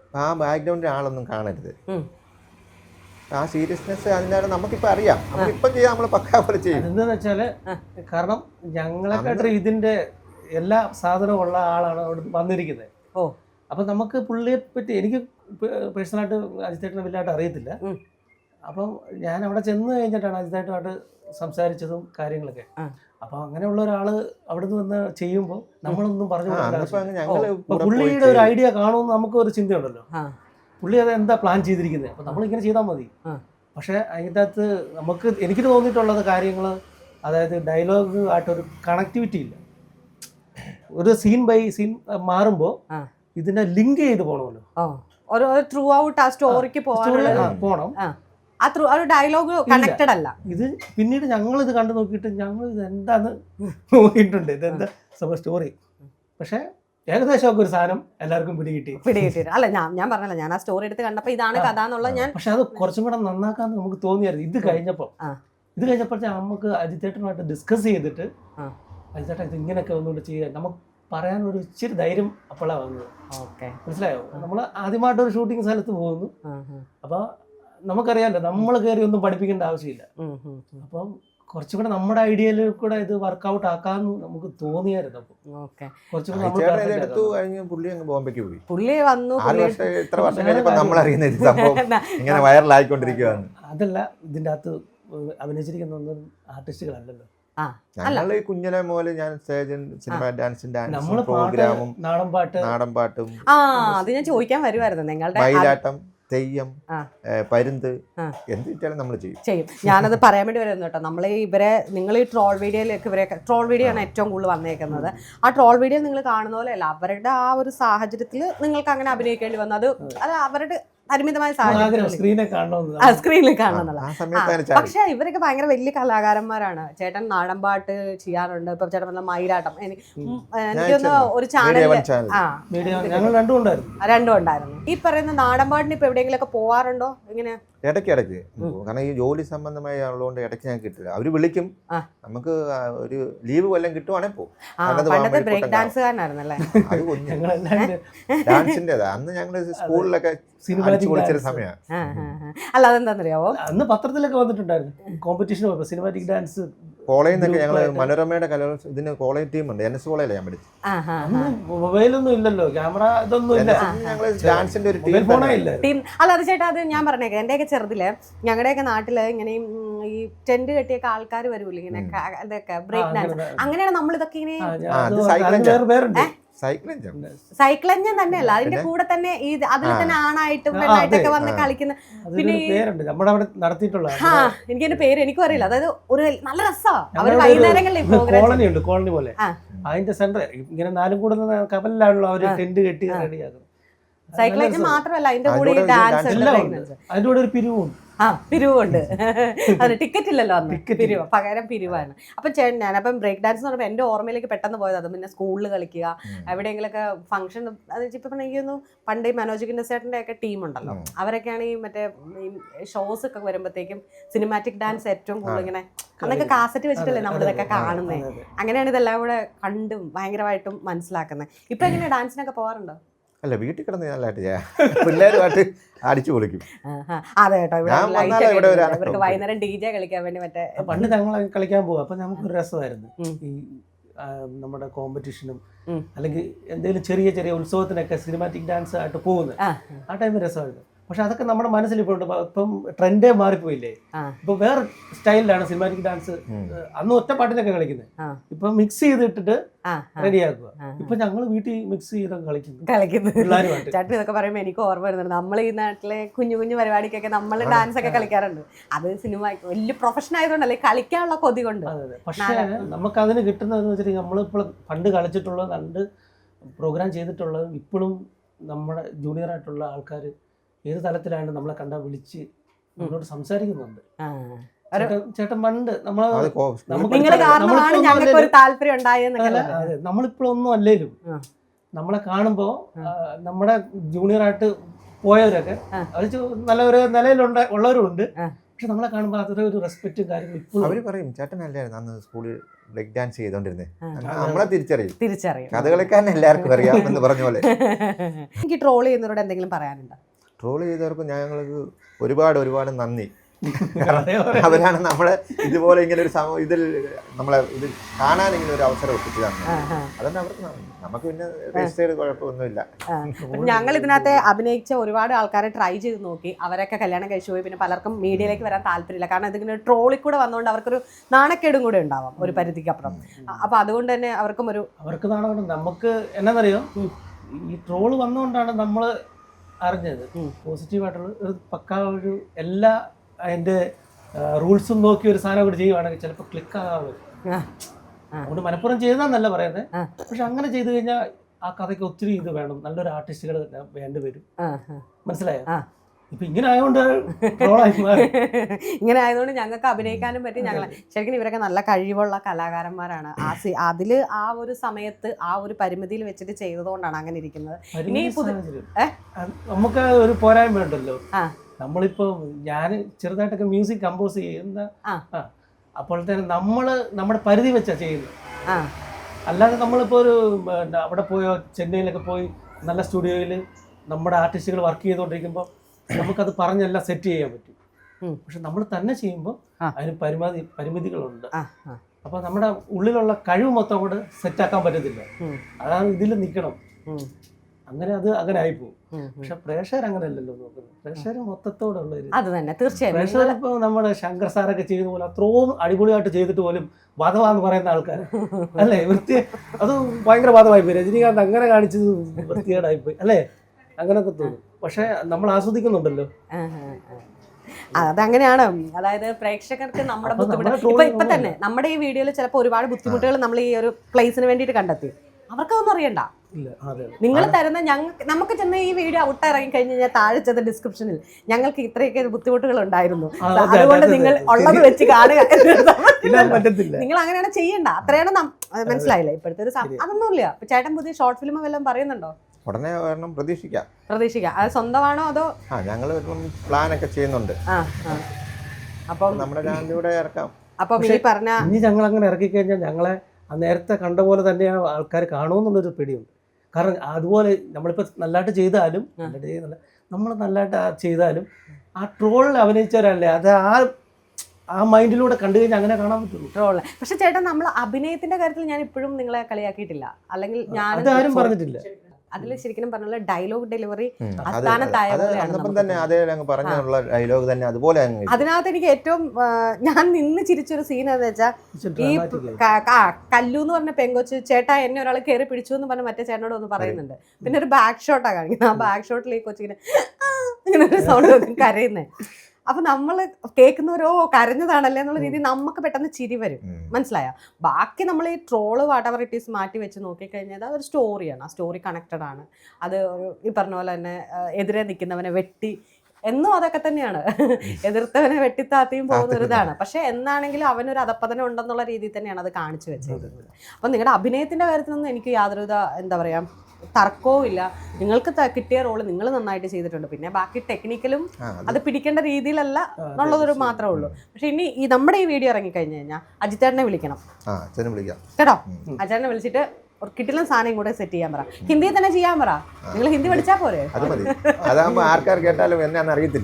C: ആ ബാക്ക്ഗ്രൗണ്ടിൽ ആളൊന്നും കാണരുത്.
B: ഉം.
C: ആ സീരിയസ്നെസ് അതിൻ്റെ നമുക്കിപ്പോൾ അറിയാം, നമുക്കിപ്പം ചെയ്യാം, നമ്മൾ പക്കാ പോലെ ചെയ്യും.
D: എന്താണെന്ന് വെച്ചാൽ കാരണം ഞങ്ങളെക്കാട്ടും ഇതിൻ്റെ എല്ലാ സാധനവും ഉള്ള ആളാണ് അവിടെ വന്നിരിക്കുന്നത്.
B: ഓ.
D: അപ്പം നമുക്ക് പുള്ളിയെ പറ്റി എനിക്ക് പേഴ്സണലായിട്ട് അജിത്തേട്ടനെ വലിയതായിട്ട് അറിയത്തില്ല.
B: ഉം.
D: അപ്പം ഞാൻ അവിടെ ചെന്ന് കഴിഞ്ഞിട്ടാണ് അജിത്തേട്ടുമായിട്ട് സംസാരിച്ചതും കാര്യങ്ങളൊക്കെ. അപ്പം അങ്ങനെയുള്ള ഒരാൾ അവിടെ നിന്ന് വന്ന് ചെയ്യുമ്പോൾ നമ്മളൊന്നും പറഞ്ഞു കൊടുക്കില്ല. പുള്ളിയുടെ ഒരു ഐഡിയ കാണുമെന്ന് നമുക്ക് ഒരു ചിന്തയുണ്ടല്ലോ. പുള്ളി അത് എന്താ പ്ലാൻ ചെയ്തിരിക്കുന്നത്, അപ്പം നമ്മളിങ്ങനെ ചെയ്താൽ മതി. പക്ഷേ അതിൻ്റെ അകത്ത് നമുക്ക് എനിക്ക് തോന്നിയിട്ടുള്ളത് കാര്യങ്ങൾ, അതായത് ഡയലോഗ് ആയിട്ടൊരു കണക്ടിവിറ്റി ഇല്ല. ഒരു സീൻ ബൈ സീൻ മാറുമ്പോൾ ഇതിനെ ലിങ്ക് ചെയ്ത് പോകണമല്ലോ.
B: ത്രൂ ഔട്ട് ആ സ്റ്റോറിക്ക്
D: പോകണം.
B: ആ ത്രൂ ഒരു ഡയലോഗ് കണക്റ്റഡ് അല്ല.
D: ഇത് പിന്നീട് ഞങ്ങൾ ഇത് കണ്ടു നോക്കിയിട്ട് ഞങ്ങൾ ഇത് എന്താന്ന് നോക്കിയിട്ടുണ്ട്, ഇതെന്താ സ്റ്റോറി. പക്ഷേ ഏകദേശമൊക്കെ ഒരു സാധനം എല്ലാവർക്കും പിടികിട്ടി
B: പിടികിട്ടി അല്ല ഞാൻ ഞാൻ പറഞ്ഞല്ലോ, ഞാൻ ആ സ്റ്റോറി എടുത്ത് കണ്ടപ്പോൾ ഇതാണ് കഥ എന്നുള്ളത് ഞാൻ.
D: പക്ഷെ അത് കുറച്ചും കൂടെ നന്നാക്കാന്ന് നമുക്ക് തോന്നിയായിരുന്നു ഇത് കഴിഞ്ഞപ്പോൾ. ഇത് കഴിഞ്ഞപ്പോൾ നമുക്ക് അജിത്തേട്ടനുമായിട്ട് ഡിസ്കസ് ചെയ്തിട്ട് അജിത്തേട്ടൻ ഇത് ഇങ്ങനെയൊക്കെ ഒന്നുകൊണ്ട് ചെയ്യാൻ നമുക്ക് പറയാനൊരു ഇച്ചിരി ധൈര്യം അപ്പോഴാണ് വന്നത്. മനസ്സിലായോ? നമ്മൾ ആദ്യമായിട്ടൊരു ഷൂട്ടിംഗ് സ്ഥലത്ത് പോകുന്നു. അപ്പോൾ നമുക്കറിയാമല്ലോ, നമ്മൾ കയറി ഒന്നും പഠിപ്പിക്കേണ്ട ആവശ്യമില്ല. അപ്പം കുറച്ചും കൂടെ നമ്മുടെ ഐഡിയയിൽ കൂടെ ഇത് വർക്കൗട്ട് ആക്കാന്ന് നമുക്ക് തോന്നിയായിരുന്നു.
C: ബോംബെക്ക് പോയി
B: പുള്ളി വന്നു.
C: ഇത്ര വർഷം കഴിഞ്ഞപ്പോൾ നമ്മൾ അറിയുന്ന സംഭവം ഇങ്ങനെ വൈറലായിക്കൊണ്ടിരിക്കുകയാണ്.
D: അതല്ല, ഇതിൻ്റെ അകത്ത് അഭിനയിച്ചിരിക്കുന്നൊന്നും ആർട്ടിസ്റ്റുകളല്ലല്ലോ.
C: ഞങ്ങൾ കുഞ്ഞിലെ മുതൽ ഞാൻ സ്റ്റേജ് സിനിമ ഡാൻസും ഡാൻസും പ്രോഗ്രാമും
D: നാടൻ പാട്ട്
C: നാടൻ പാട്ടും
B: ആ അത് ഞാൻ ചോദിക്കാൻ വരുമായിരുന്നു. നിങ്ങളുടെ
C: മയിലാട്ടം, തെയ്യം, പരുന്ത് എന്ത് കിട്ടിയാലും നമ്മൾ ചെയ്യും
B: ചെയ്യും ഞാനത് പറയാൻ വേണ്ടി വരുന്നു കേട്ടോ. നമ്മൾ ഇവരെ നിങ്ങൾ ഈ ട്രോൾ വീഡിയോയിലേക്ക് ഇവരെ ട്രോൾ വീഡിയോ ആണ് ഏറ്റവും കൂടുതൽ വന്നേക്കുന്നത്. ആ ട്രോൾ വീഡിയോ നിങ്ങൾ കാണുന്ന പോലെയല്ല, അവരുടെ ആ ഒരു സാഹചര്യത്തിൽ നിങ്ങൾക്ക് അങ്ങനെ അഭിനയിക്കേണ്ടി വന്നു. അത് അത് അവരുടെ പരിമിതമായ സാഹചര്യം സ്ക്രീനിൽ കാണുന്നതാണ്. പക്ഷെ ഇവരൊക്കെ ഭയങ്കര വലിയ കലാകാരന്മാരാണ്. ചേട്ടൻ നാടൻപാട്ട് ചെയ്യാറുണ്ട്. ഇപ്പൊ ചേട്ടൻ പറഞ്ഞ മയിലാട്ടം, എനിക്കൊന്ന് ഒരു ചാനലിൽ ആ രണ്ടും ഉണ്ടായിരുന്നു. ഈ പറയുന്ന നാടൻപാട്ടിന് ഇപ്പൊ എവിടെയെങ്കിലും ഒക്കെ പോവാറുണ്ടോ? ഇങ്ങനെ
C: ഇടയ്ക്ക് ഇടയ്ക്ക് കാരണം ഈ ജോലി സംബന്ധമായി ഉള്ളതുകൊണ്ട് ഇടയ്ക്ക് ഞാൻ കിട്ടില്ല. അവര് വിളിക്കും, നമുക്ക് ഒരു ലീവ് വല്ലതും കിട്ടുവാണെങ്കിൽ പോകും.
B: പണ്ടത്തെ ബ്രേക്ക് ഡാൻസുകാരനായിരുന്നല്ലേ?
C: അത് ഡാൻസിൻ്റെതാ. അന്ന് ഞങ്ങള് സ്കൂളിലൊക്കെ വിളിച്ചൊരു സമയമാണ്.
B: അല്ല അതെന്താണെന്നറിയാവോ,
D: അന്ന് പത്രത്തിലൊക്കെ വന്നിട്ടുണ്ടായിരുന്നു കോമ്പറ്റീഷൻ സിനിമാറ്റിക് ഡാൻസ്.
C: കോളേജിൽ നിന്നൊക്കെ ഞങ്ങള് മനോരമയുടെ കലോത്സവം ഇതിന് കോളേജ് ടീമുണ്ട്. എൻ എസ് കോളേജിലാണ് ഞാൻ പഠിച്ചത്.
D: മൊബൈലൊന്നും ഇല്ലല്ലോ, ക്യാമറ ഇതൊന്നും ഇല്ല.
C: ഞങ്ങള് ഡാൻസിന്റെ ഒരു
B: ടീം. അല്ല അത് ചേട്ടാ, അത് ഞാൻ പറഞ്ഞേക്കാം, എന്റെയൊക്കെ ചെറുതില് ഞങ്ങളുടെയൊക്കെ നാട്ടില് ഇങ്ങനെ ഈ ടെന്റ് കെട്ടിയൊക്കെ ആൾക്കാർ വരുമല്ലോ, ഇങ്ങനെ ഇതൊക്കെ ബ്രേക്ക് ഡാൻസ്. അങ്ങനെയാണ് നമ്മൾ ഇതൊക്കെ ഇങ്ങനെ സൈക്ലഞ്ചൻ തന്നെയല്ല, അതിന്റെ കൂടെ തന്നെ ഈ അതിൽ തന്നെ ആണായിട്ടും പെണ്ണായിട്ടൊക്കെ വന്ന് കളിക്കുന്ന. പിന്നെ ആ എനിക്ക് എന്റെ പേര് എനിക്കും അറിയില്ല. അതായത് ഒരു നല്ല രസമാണ് അവര് വൈകുന്നേരങ്ങളിൽ
D: കോളനി ഉണ്ട്, കോളനി പോലെ. അതിന്റെ സെന്റർ ഇങ്ങനെ നാലും കൂടുന്ന കപ്പലിലാണല്ലോ അവര് ടെന്റ് കെട്ടി റെഡിയാക്കുന്നത്.
B: സൈക്ലഞ്ച് മാത്രമല്ല, അതിന്റെ കൂടെ ഈ ഡാൻസ്
D: അതിന്റെ കൂടെ ഒരു പിരിവും
B: ആ പിരിവുണ്ട്. അത് ടിക്കറ്റ് ഇല്ലല്ലോ അന്ന്, പിരിവ് പകരം പിരിവാണ്. അപ്പം ചേട്ടൻ ഞാൻ അപ്പം ബ്രേക്ക് ഡാൻസ് എന്ന് പറയുമ്പോൾ എൻ്റെ ഓർമ്മയിലേക്ക് പെട്ടെന്ന് പോയത് അത്. പിന്നെ സ്കൂളിൽ കളിക്കുക, എവിടെയെങ്കിലൊക്കെ ഫംഗ്ഷൻ. അത് ഇപ്പം എനിക്കൊന്നു പണ്ട് ഈ മനോജിക്കിൻ്റെ ചേട്ടൻ്റെ ഒക്കെ ടീമുണ്ടല്ലോ, അവരൊക്കെയാണ് ഈ മറ്റേ ഈ ഷോസ് ഒക്കെ വരുമ്പോഴത്തേക്കും സിനിമാറ്റിക് ഡാൻസ് ഏറ്റവും കൂടുതൽ ഇങ്ങനെ അന്നൊക്കെ കാസറ്റ് വെച്ചിട്ടല്ലേ നമ്മളിതൊക്കെ കാണുന്നത്. അങ്ങനെയാണ് ഇതെല്ലാം കൂടെ കണ്ടും ഭയങ്കരമായിട്ടും മനസ്സിലാക്കുന്നത്. ഇപ്പം എങ്ങനെയാണ് ഡാൻസിനൊക്കെ പോകാറുണ്ടോ?
C: അല്ല, വീട്ടിൽ കിടന്ന് നല്ലതായിട്ട് ചെയ്യാം, പിള്ളേരുമായിട്ട് അടിച്ചു പൊളിക്കും.
B: അതെ കേട്ടോ, ഇവർക്ക് വൈകുന്നേരം ഡി ജെ കളിക്കാൻ വേണ്ടി മറ്റേ
D: പണ്ട് ഞങ്ങൾ കളിക്കാൻ പോകും. അപ്പം നമുക്കൊരു രസമായിരുന്നു ഈ നമ്മുടെ കോമ്പറ്റീഷനും അല്ലെങ്കിൽ എന്തെങ്കിലും ചെറിയ ചെറിയ ഉത്സവത്തിനൊക്കെ സിനിമാറ്റിക് ഡാൻസ് ആയിട്ട് പോകുന്നത്. ആ ടൈമിൽ രസമായിരുന്നു. പക്ഷെ അതൊക്കെ നമ്മുടെ മനസ്സിൽ ഇപ്പോൾ ഉണ്ട്. ഇപ്പം ട്രെൻഡേ മാറിപ്പോയില്ലേ, ഇപ്പൊ വേറെ സ്റ്റൈലിലാണ് സിനിമാറ്റിക് ഡാൻസ്. അന്ന് ഒറ്റ പാട്ടിനൊക്കെ കളിക്കുന്നത്, ഇപ്പൊ മിക്സ് ചെയ്തിട്ടിട്ട് റെഡിയാക്കുക. ഇപ്പൊ ഞങ്ങൾ വീട്ടിൽ മിക്സ് ചെയ്ത് കളിക്കുന്നു
B: കളിക്കുന്നത് ചേട്ടൻ ഇതൊക്കെ പറയുമ്പോൾ എനിക്ക് ഓർമ്മ വരുന്നുണ്ട്. നമ്മൾ ഈ നാട്ടിലെ കുഞ്ഞു കുഞ്ഞു പരിപാടിക്കൊക്കെ നമ്മൾ ഡാൻസ് ഒക്കെ കളിക്കാറുണ്ട്. അത് സിനിമ വലിയ പ്രൊഫഷൻ ആയതുകൊണ്ടല്ലേ, കളിക്കാനുള്ള കൊതി കൊണ്ട്.
D: പക്ഷേ നമുക്ക് അതിന് കിട്ടുന്നതെന്ന് വെച്ചിട്ടുണ്ടെങ്കിൽ നമ്മളിപ്പോൾ പണ്ട് കളിച്ചിട്ടുള്ളത്, കണ്ട് പ്രോഗ്രാം ചെയ്തിട്ടുള്ളതും ഇപ്പോഴും നമ്മുടെ ജൂനിയർ ആയിട്ടുള്ള ആൾക്കാർ ഏത് തലത്തിലാണ് നമ്മളെ കണ്ടാ വിളിച്ച് നമ്മളോട് സംസാരിക്കുന്നുണ്ട്. ചേട്ടൻ പണ്ട് നമ്മളിപ്പോഴൊന്നും അല്ലേലും നമ്മളെ കാണുമ്പോ നമ്മുടെ ജൂനിയർ ആയിട്ട് പോയവരൊക്കെ അത് നല്ല ഒരു നിലയിലുണ്ട ഉള്ളവരും ഉണ്ട്, പക്ഷെ നമ്മളെ കാണുമ്പോൾ അത്ര ഒരു റെസ്പെക്റ്റും കാര്യങ്ങളും ഇപ്പോഴും
C: അവര് പറയും ചേട്ടനല്ലായിരുന്നു അന്ന് സ്കൂളിൽ ബ്രേക്ക് ഡാൻസ് ചെയ്തോണ്ടിരുന്നത് നമ്മളെ തിരിച്ചറിയും
B: തിരിച്ചറിയും.
C: കഥകളിക്കാരൻ എല്ലാവർക്കും അറിയാം എന്ന് പറഞ്ഞ പോലെ.
B: എനിക്ക് ട്രോൾ ചെയ്യുന്നവരോട് എന്തെങ്കിലും പറയാനുണ്ടോ?
C: ട്രോൾ ചെയ്തവർക്ക് ഞങ്ങൾക്ക് ഒരുപാട് ഒരുപാട് നന്ദി. അവരാണ് നമ്മളെ ഇതുപോലെ ഇങ്ങനെ ഒരു സമ ഇതിൽ നമ്മളെ ഇത് കാണാൻ ഇങ്ങനെ ഒരു അവസരം ഒപ്പിച്ചു തന്നെ. അതുകൊണ്ട് അവർക്ക് നന്ദി. നമുക്ക് പിന്നെ രജിസ്റ്റർ ചെയ്ത് കുഴപ്പമൊന്നുമില്ല.
B: ഞങ്ങൾ ഇതിനകത്ത് അഭിനയിച്ച ഒരുപാട് ആൾക്കാരെ ട്രൈ ചെയ്ത് നോക്കി. അവരൊക്കെ കല്യാണം കഴിച്ചു പോയി. പിന്നെ പലർക്കും മീഡിയയിലേക്ക് വരാൻ താല്പര്യമില്ല. കാരണം ഇതിങ്ങനെ ട്രോളിൽ കൂടെ വന്നുകൊണ്ട് അവർക്കൊരു നാണക്കേടും കൂടെ ഉണ്ടാവാം ഒരു പരിധിക്കപ്പുറം. അപ്പൊ അതുകൊണ്ട് തന്നെ അവർക്കും ഒരു
D: അവർക്ക് നാണക്കേട്. നമുക്ക് എന്നാന്നറിയോ, ഈ ട്രോള് വന്നുകൊണ്ടാണ് നമ്മൾ അറിഞ്ഞത് പോസിറ്റീവായിട്ടുള്ള ഒരു പക്കാ ഒരു എല്ലാ അതിൻ്റെ റൂൾസും നോക്കി ഒരു സാധനം കൂടി ചെയ്യുവാണെങ്കിൽ ചിലപ്പോൾ ക്ലിക്ക് ആകാൻ വരും. അതുകൊണ്ട് മനഃപ്പുറം ചെയ്താന്നല്ല പറയുന്നത്. പക്ഷെ അങ്ങനെ ചെയ്തു കഴിഞ്ഞാൽ ആ കഥയ്ക്ക് ഒത്തിരി ഇത് വേണം, നല്ലൊരു ആർട്ടിസ്റ്റുകൾ വേണ്ടി വരും. മനസ്സിലായോ? ഇപ്പൊ ഇങ്ങനെ ആയതുകൊണ്ട്
B: ഇങ്ങനെ ആയതുകൊണ്ട് ഞങ്ങൾക്ക് അഭിനയിക്കാനും പറ്റി. ഞങ്ങൾ ശരിക്കും ഇവരൊക്കെ നല്ല കഴിവുള്ള കലാകാരന്മാരാണ്. ആ സി അതില് ആ ഒരു സമയത്ത് ആ ഒരു പരിമിതിയിൽ വെച്ചിട്ട് ചെയ്തതുകൊണ്ടാണ് അങ്ങനെ ഇരിക്കുന്നത്. ഇനി
D: നമുക്ക് ഒരു പോരായ്മ ഉണ്ടല്ലോ. നമ്മളിപ്പോ ഞാൻ ചെറുതായിട്ടൊക്കെ മ്യൂസിക് കമ്പോസ് ചെയ്യുന്ന അപ്പോൾ തന്നെ നമ്മള് നമ്മുടെ പരിധി വെച്ചാ ചെയ്യുന്നത്. അല്ലാതെ നമ്മളിപ്പോ ഒരു അവിടെ പോയോ ചെന്നൈയിലൊക്കെ പോയി നല്ല സ്റ്റുഡിയോയിൽ നമ്മുടെ ആർട്ടിസ്റ്റുകൾ വർക്ക് ചെയ്തുകൊണ്ടിരിക്കുമ്പോൾ നമുക്കത് പറഞ്ഞെല്ലാം സെറ്റ് ചെയ്യാൻ പറ്റും. പക്ഷെ നമ്മൾ തന്നെ ചെയ്യുമ്പോൾ അതിന് പരിമിതി പരിമിതികളുണ്ട്. അപ്പൊ നമ്മുടെ ഉള്ളിലുള്ള കഴിവ് മൊത്തം കൂടെ സെറ്റാക്കാൻ പറ്റത്തില്ല. അതാണ് ഇതിൽ നിൽക്കണം. അങ്ങനെ അത് അങ്ങനെ ആയിപ്പോവും. പക്ഷെ പ്രേക്ഷകർ അങ്ങനെയല്ലല്ലോ നോക്കുന്നത്. പ്രേക്ഷകർ മൊത്തത്തോടുള്ള
B: അത് തന്നെ തീർച്ചയായും.
D: പ്രേക്ഷകർ ഇപ്പൊ നമ്മുടെ ശങ്കർ സാറൊക്കെ ചെയ്ത പോലെ അത്രയും അടിപൊളിയായിട്ട് ചെയ്തിട്ട് പോലും വധവാന്ന് പറയുന്ന ആൾക്കാർ അല്ലേ, വൃത്തി അത് ഭയങ്കര വധമായിപ്പോയി. രജനീകാന്ത് അങ്ങനെ കാണിച്ചത് വൃത്തികേടായിപ്പോയി അല്ലേ, അങ്ങനൊക്കെ തോന്നും. പക്ഷെ നമ്മൾ ആസ്വദിക്കുന്നുണ്ടല്ലോ.
B: അതങ്ങനെയാണ്. അതായത് പ്രേക്ഷകർക്ക് നമ്മുടെ ബുദ്ധിമുട്ട് ഇപ്പൊ ഇപ്പൊ തന്നെ നമ്മുടെ ഈ വീഡിയോയിൽ ചിലപ്പോൾ ഒരുപാട് ബുദ്ധിമുട്ടുകൾ നമ്മൾ ഈ ഒരു പ്ലേസിന് വേണ്ടിയിട്ട് കണ്ടെത്തി. അവർക്കതൊന്നും അറിയണ്ട. നിങ്ങൾ തരുന്ന ഞങ്ങൾക്ക് നമുക്ക് ചെന്ന ഈ വീഡിയോ ഔട്ട് ഇറങ്ങി കഴിഞ്ഞ് കഴിഞ്ഞാൽ താഴെ ചെന്ന ഡിസ്ക്രിപ്ഷനിൽ ഞങ്ങൾക്ക് ഇത്രയൊക്കെ ബുദ്ധിമുട്ടുകൾ ഉണ്ടായിരുന്നു, അതുകൊണ്ട് നിങ്ങൾ ഉള്ളത് വെച്ച് കാണുക. നിങ്ങൾ അങ്ങനെയാണ് ചെയ്യണ്ട. അത്രയാണ് മനസ്സിലായില്ലേ ഇപ്പോഴത്തെ ഒരു അതൊന്നുമില്ല. ഇപ്പൊ ചേട്ടൻ പുതിയ ഷോർട്ട് ഫിലിം വല്ലതും പറയുന്നുണ്ടോ?
C: ഉടനെ വരണം, പ്രതീക്ഷിക്കാം.
B: പ്രതീക്ഷിക്കാം. അത് സ്വന്തമാണോ അതോ?
C: ആ ഞങ്ങൾ പ്ലാൻ ഒക്കെ ചെയ്യുന്നുണ്ട്.
B: അപ്പം
C: നമ്മുടെ ചാനലിലൂടെ ഇറക്കാം.
B: അപ്പം ഈ പറഞ്ഞ
D: ഇനി ഞങ്ങൾ അങ്ങനെ ഇറക്കി കഴിഞ്ഞാൽ ഞങ്ങളെ നേരത്തെ കണ്ട പോലെ തന്നെയാണ് ആൾക്കാർ കാണുമെന്നുള്ളൊരു പേടിയുണ്ട്. കാരണം അതുപോലെ നമ്മളിപ്പോൾ നല്ലതായിട്ട് ചെയ്താലും നമ്മൾ നല്ലതായിട്ട് ചെയ്താലും ആ ട്രോളിൽ അഭിനയിച്ചവരല്ലേ അത് ആ ആ മൈൻഡിലൂടെ കണ്ടു കഴിഞ്ഞാൽ അങ്ങനെ കാണാൻ പറ്റുള്ളൂ
B: ട്രോള്. പക്ഷെ ചേട്ടാ നമ്മൾ അഭിനയത്തിന്റെ കാര്യത്തിൽ ഞാൻ ഇപ്പോഴും നിങ്ങളെ കളിയാക്കിയിട്ടില്ല. അല്ലെങ്കിൽ ഞാൻ
D: അതാരും പറഞ്ഞിട്ടില്ല.
B: അതിൽ ശരിക്കും പറഞ്ഞുള്ള ഡയലോഗ് ഡെലിവറി അതിനകത്ത് എനിക്ക് ഏറ്റവും ഞാൻ നിന്ന് ചിരിച്ചൊരു സീൻ എന്ന് വെച്ചാൽ ഈ കല്ലു എന്ന് പറഞ്ഞ പെങ്കൊച്ച് ചേട്ടാ എന്നെ ഒരാൾ കയറി പിടിച്ചു എന്ന് പറഞ്ഞ മറ്റേ ചേട്ടനോട് ഒന്ന് പറയുന്നുണ്ട്. പിന്നെ ഒരു ബാക്ക് ഷോട്ടാണ് കാണിക്കുന്നത്. ആ ബാക്ക് ഷോട്ടിൽ ഈ കൊച്ചിങ്ങനെ ഇങ്ങനെ ഒരു സൗണ്ട് കരയുന്നേ. അപ്പൊ നമ്മൾ കേൾക്കുന്നവരോ കരഞ്ഞതാണല്ലേ എന്നുള്ള രീതിയിൽ നമുക്ക് പെട്ടെന്ന് ചിരി വരും. മനസ്സിലായോ? ബാക്കി നമ്മൾ ഈ ട്രോള് വാട്ടവർ ഇറ്റ് ഈസ് മാറ്റി വെച്ച് നോക്കിക്കഴിഞ്ഞാൽ അതൊരു സ്റ്റോറിയാണ്. ആ സ്റ്റോറി കണക്റ്റഡ് ആണ്. അത് ഈ പറഞ്ഞ പോലെ തന്നെ എതിരെ നിൽക്കുന്നവനെ വെട്ടി എന്നും അതൊക്കെ തന്നെയാണ്. എതിർത്തവനെ വെട്ടിത്താത്തിയും പോകുന്ന ഒരു ഇതാണ്. പക്ഷെ എന്നാണെങ്കിലും അവനൊരു അധപ്പതനം ഉണ്ടെന്നുള്ള രീതിയിൽ തന്നെയാണ് അത് കാണിച്ചു വെച്ചത്. അപ്പം നിങ്ങളുടെ അഭിനയത്തിന്റെ കാര്യത്തിലൊന്നും എനിക്ക് യാതൊരുവിധ എന്താ പറയാ തർക്കവും ഇല്ല. നിങ്ങൾക്ക് കിട്ടിയ റോള് നിങ്ങൾ നന്നായിട്ട് ചെയ്തിട്ടുണ്ട്. പിന്നെ ബാക്കി ടെക്നിക്കലും അത് പിടിക്കേണ്ട രീതിയിലല്ല എന്നുള്ളതൊരു മാത്രമേ ഉള്ളൂ. പക്ഷെ ഇനി ഈ നമ്മുടെ ഈ വീഡിയോ ഇറങ്ങി കഴിഞ്ഞു കഴിഞ്ഞാൽ അജിത്തേട്ടനെ വിളിക്കണം കേട്ടോ. അജിത്തേട്ടനെ വിളിച്ചിട്ട് ഒരു കിട്ടിലും സാധനം കൂടെ സെറ്റ് ചെയ്യാൻ പറ. ഹിന്ദിയിൽ തന്നെ ചെയ്യാൻ പറ. നിങ്ങൾ ഹിന്ദി പഠിച്ചാൽ പോരെ?
C: അതാകുമ്പോ ആൾക്കാർ കേട്ടാലും എന്നാന്ന് അറിയത്തില്ല.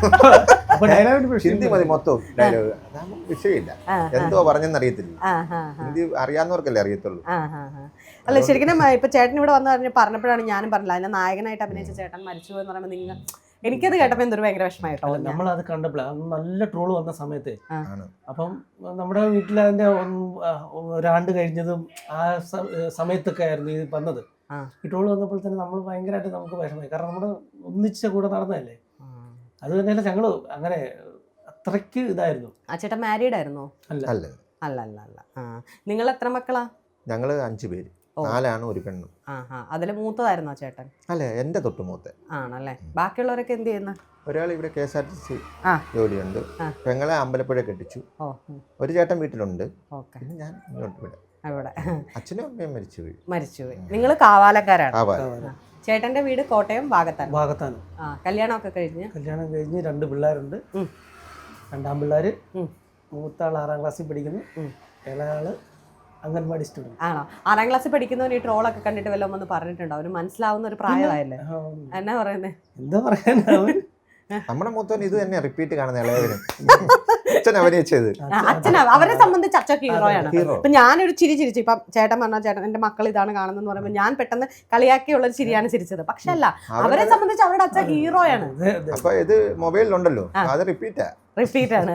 C: ഹിന്ദി മതി മൊത്തം ഡയലോഗ്. വിഷയമില്ല, എന്തോ പറഞ്ഞെന്ന് അറിയത്തില്ല. ഹിന്ദി അറിയാവുന്നവർക്കല്ലേ അറിയത്തുള്ളൂ.
B: അല്ല ശരിക്കും ഇപ്പൊ ചേട്ടൻ ഇവിടെ വന്ന് പറഞ്ഞ് പറഞ്ഞപ്പോഴാണ് ഞാനും പറഞ്ഞില്ല അതിന്റെ നായകനായിട്ട് അഭിനയിച്ച ചേട്ടൻ മരിച്ചു എന്ന് പറയുമ്പോൾ നിങ്ങൾ എനിക്കത് കേട്ടപ്പോൾ എന്തൊരു ഭയങ്കര വിഷമമായിട്ടോ.
D: നമ്മൾ അത് കണ്ടപ്പോഴാണ് നല്ല ട്രോള് വന്ന സമയത്ത്. അപ്പം നമ്മുടെ വീട്ടിൽ അതിന്റെ ഒരാണ്ട് കഴിഞ്ഞതും ആ സമയത്തൊക്കെ ആയിരുന്നു ഇത് വന്നത്. ഈ ട്രോള് വന്നപ്പോൾ തന്നെ നമ്മൾ ഭയങ്കരമായിട്ട് നമുക്ക് വിഷമമായി. കാരണം നമ്മുടെ ഒന്നിച്ച കൂടെ നടന്നതല്ലേ. അത് തന്നെയല്ല ഞങ്ങള് അങ്ങനെ അത്രയ്ക്ക് ഇതായിരുന്നു.
B: ആ ചേട്ടൻ മാരീഡ് ആയിരുന്നോ?
C: അല്ല
B: അല്ല അല്ല അല്ല. നിങ്ങൾ എത്ര മക്കളാ?
C: ഞങ്ങള് അഞ്ചു പേര്, നാലാണ് ഒരു പെണ്ണും.
B: അതില് മൂത്തതായിരുന്നോ ചേട്ടൻ?
C: അല്ല, എന്റെ തൊട്ട് മൂത്ത
B: ആണല്ലേ. ബാക്കിയുള്ളവരൊക്കെ എന്ത് ചെയ്യുന്ന?
C: ഒരാൾ ഇവിടെ K S R T C ജോലിയുണ്ട്. പെങ്ങളെ അമ്പലപ്പുഴ കെട്ടിച്ചു. ഒരു ചേട്ടൻ വീട്ടിലുണ്ട്. പിന്നെ ഞാൻ ഇങ്ങോട്ട് ഇവിടെ. അച്ഛനും അമ്മയും മരിച്ചുപോയി.
B: മരിച്ചുപോയി. നിങ്ങൾ കാവാലക്കാരാണ്. ചേട്ടന്റെ വീട് കോട്ടയം ഭാഗത്താണ്.
D: ഭാഗത്താണ്.
B: കല്യാണമൊക്കെ കഴിഞ്ഞ്
D: കല്യാണം കഴിഞ്ഞ് രണ്ട് പിള്ളേരുണ്ട്. രണ്ടാം പിള്ളേർ,
B: ഉം.
D: മൂത്താൾ ആറാം ക്ലാസ്സിൽ പഠിക്കുന്നു, ഇളയാള് അംഗൻവാടി സ്റ്റുഡൻറ്.
B: ആണോ? ആറാം ക്ലാസ്സിൽ പഠിക്കുന്നവന് ഈ ട്രോളൊക്കെ കണ്ടിട്ട് വല്ലതും ഒന്ന് പറഞ്ഞിട്ടുണ്ടോ? അവന് മനസ്സിലാവുന്ന ഒരു പ്രായമായല്ലേ? എന്നാ പറയുന്നേ?
D: എന്താ പറയാനാ,
C: നമ്മുടെ മൂത്തോൻ ഇത് തന്നെ റിപ്പീറ്റ് കാണുന്ന ഇളയവനും അച്ഛൻ അഭിനയിച്ചത്.
B: അച്ഛനാ അവരെ സംബന്ധിച്ച് അച്ഛൻ ഹീറോയാണ്. ഇപ്പൊ ഞാനൊരു ചിരി ചിരിച്ചു. ഇപ്പം ചേട്ടൻ പറഞ്ഞ ചേട്ടൻ എന്റെ മക്കൾ ഇതാണ് കാണുന്നതെന്ന് പറയുമ്പോൾ ഞാൻ പെട്ടെന്ന് കളിയാക്കിയുള്ള ഒരു ചിരിയാണ് ചിരിച്ചത്. പക്ഷെ അല്ല, അവരെ സംബന്ധിച്ച് അവരുടെ അച്ഛൻ ഹീറോയാണ്.
C: അപ്പൊ ഇത് മൊബൈലിലുണ്ടല്ലോ, അത് റിപ്പീറ്റാ
B: റിപ്പീറ്റ് ആണ്.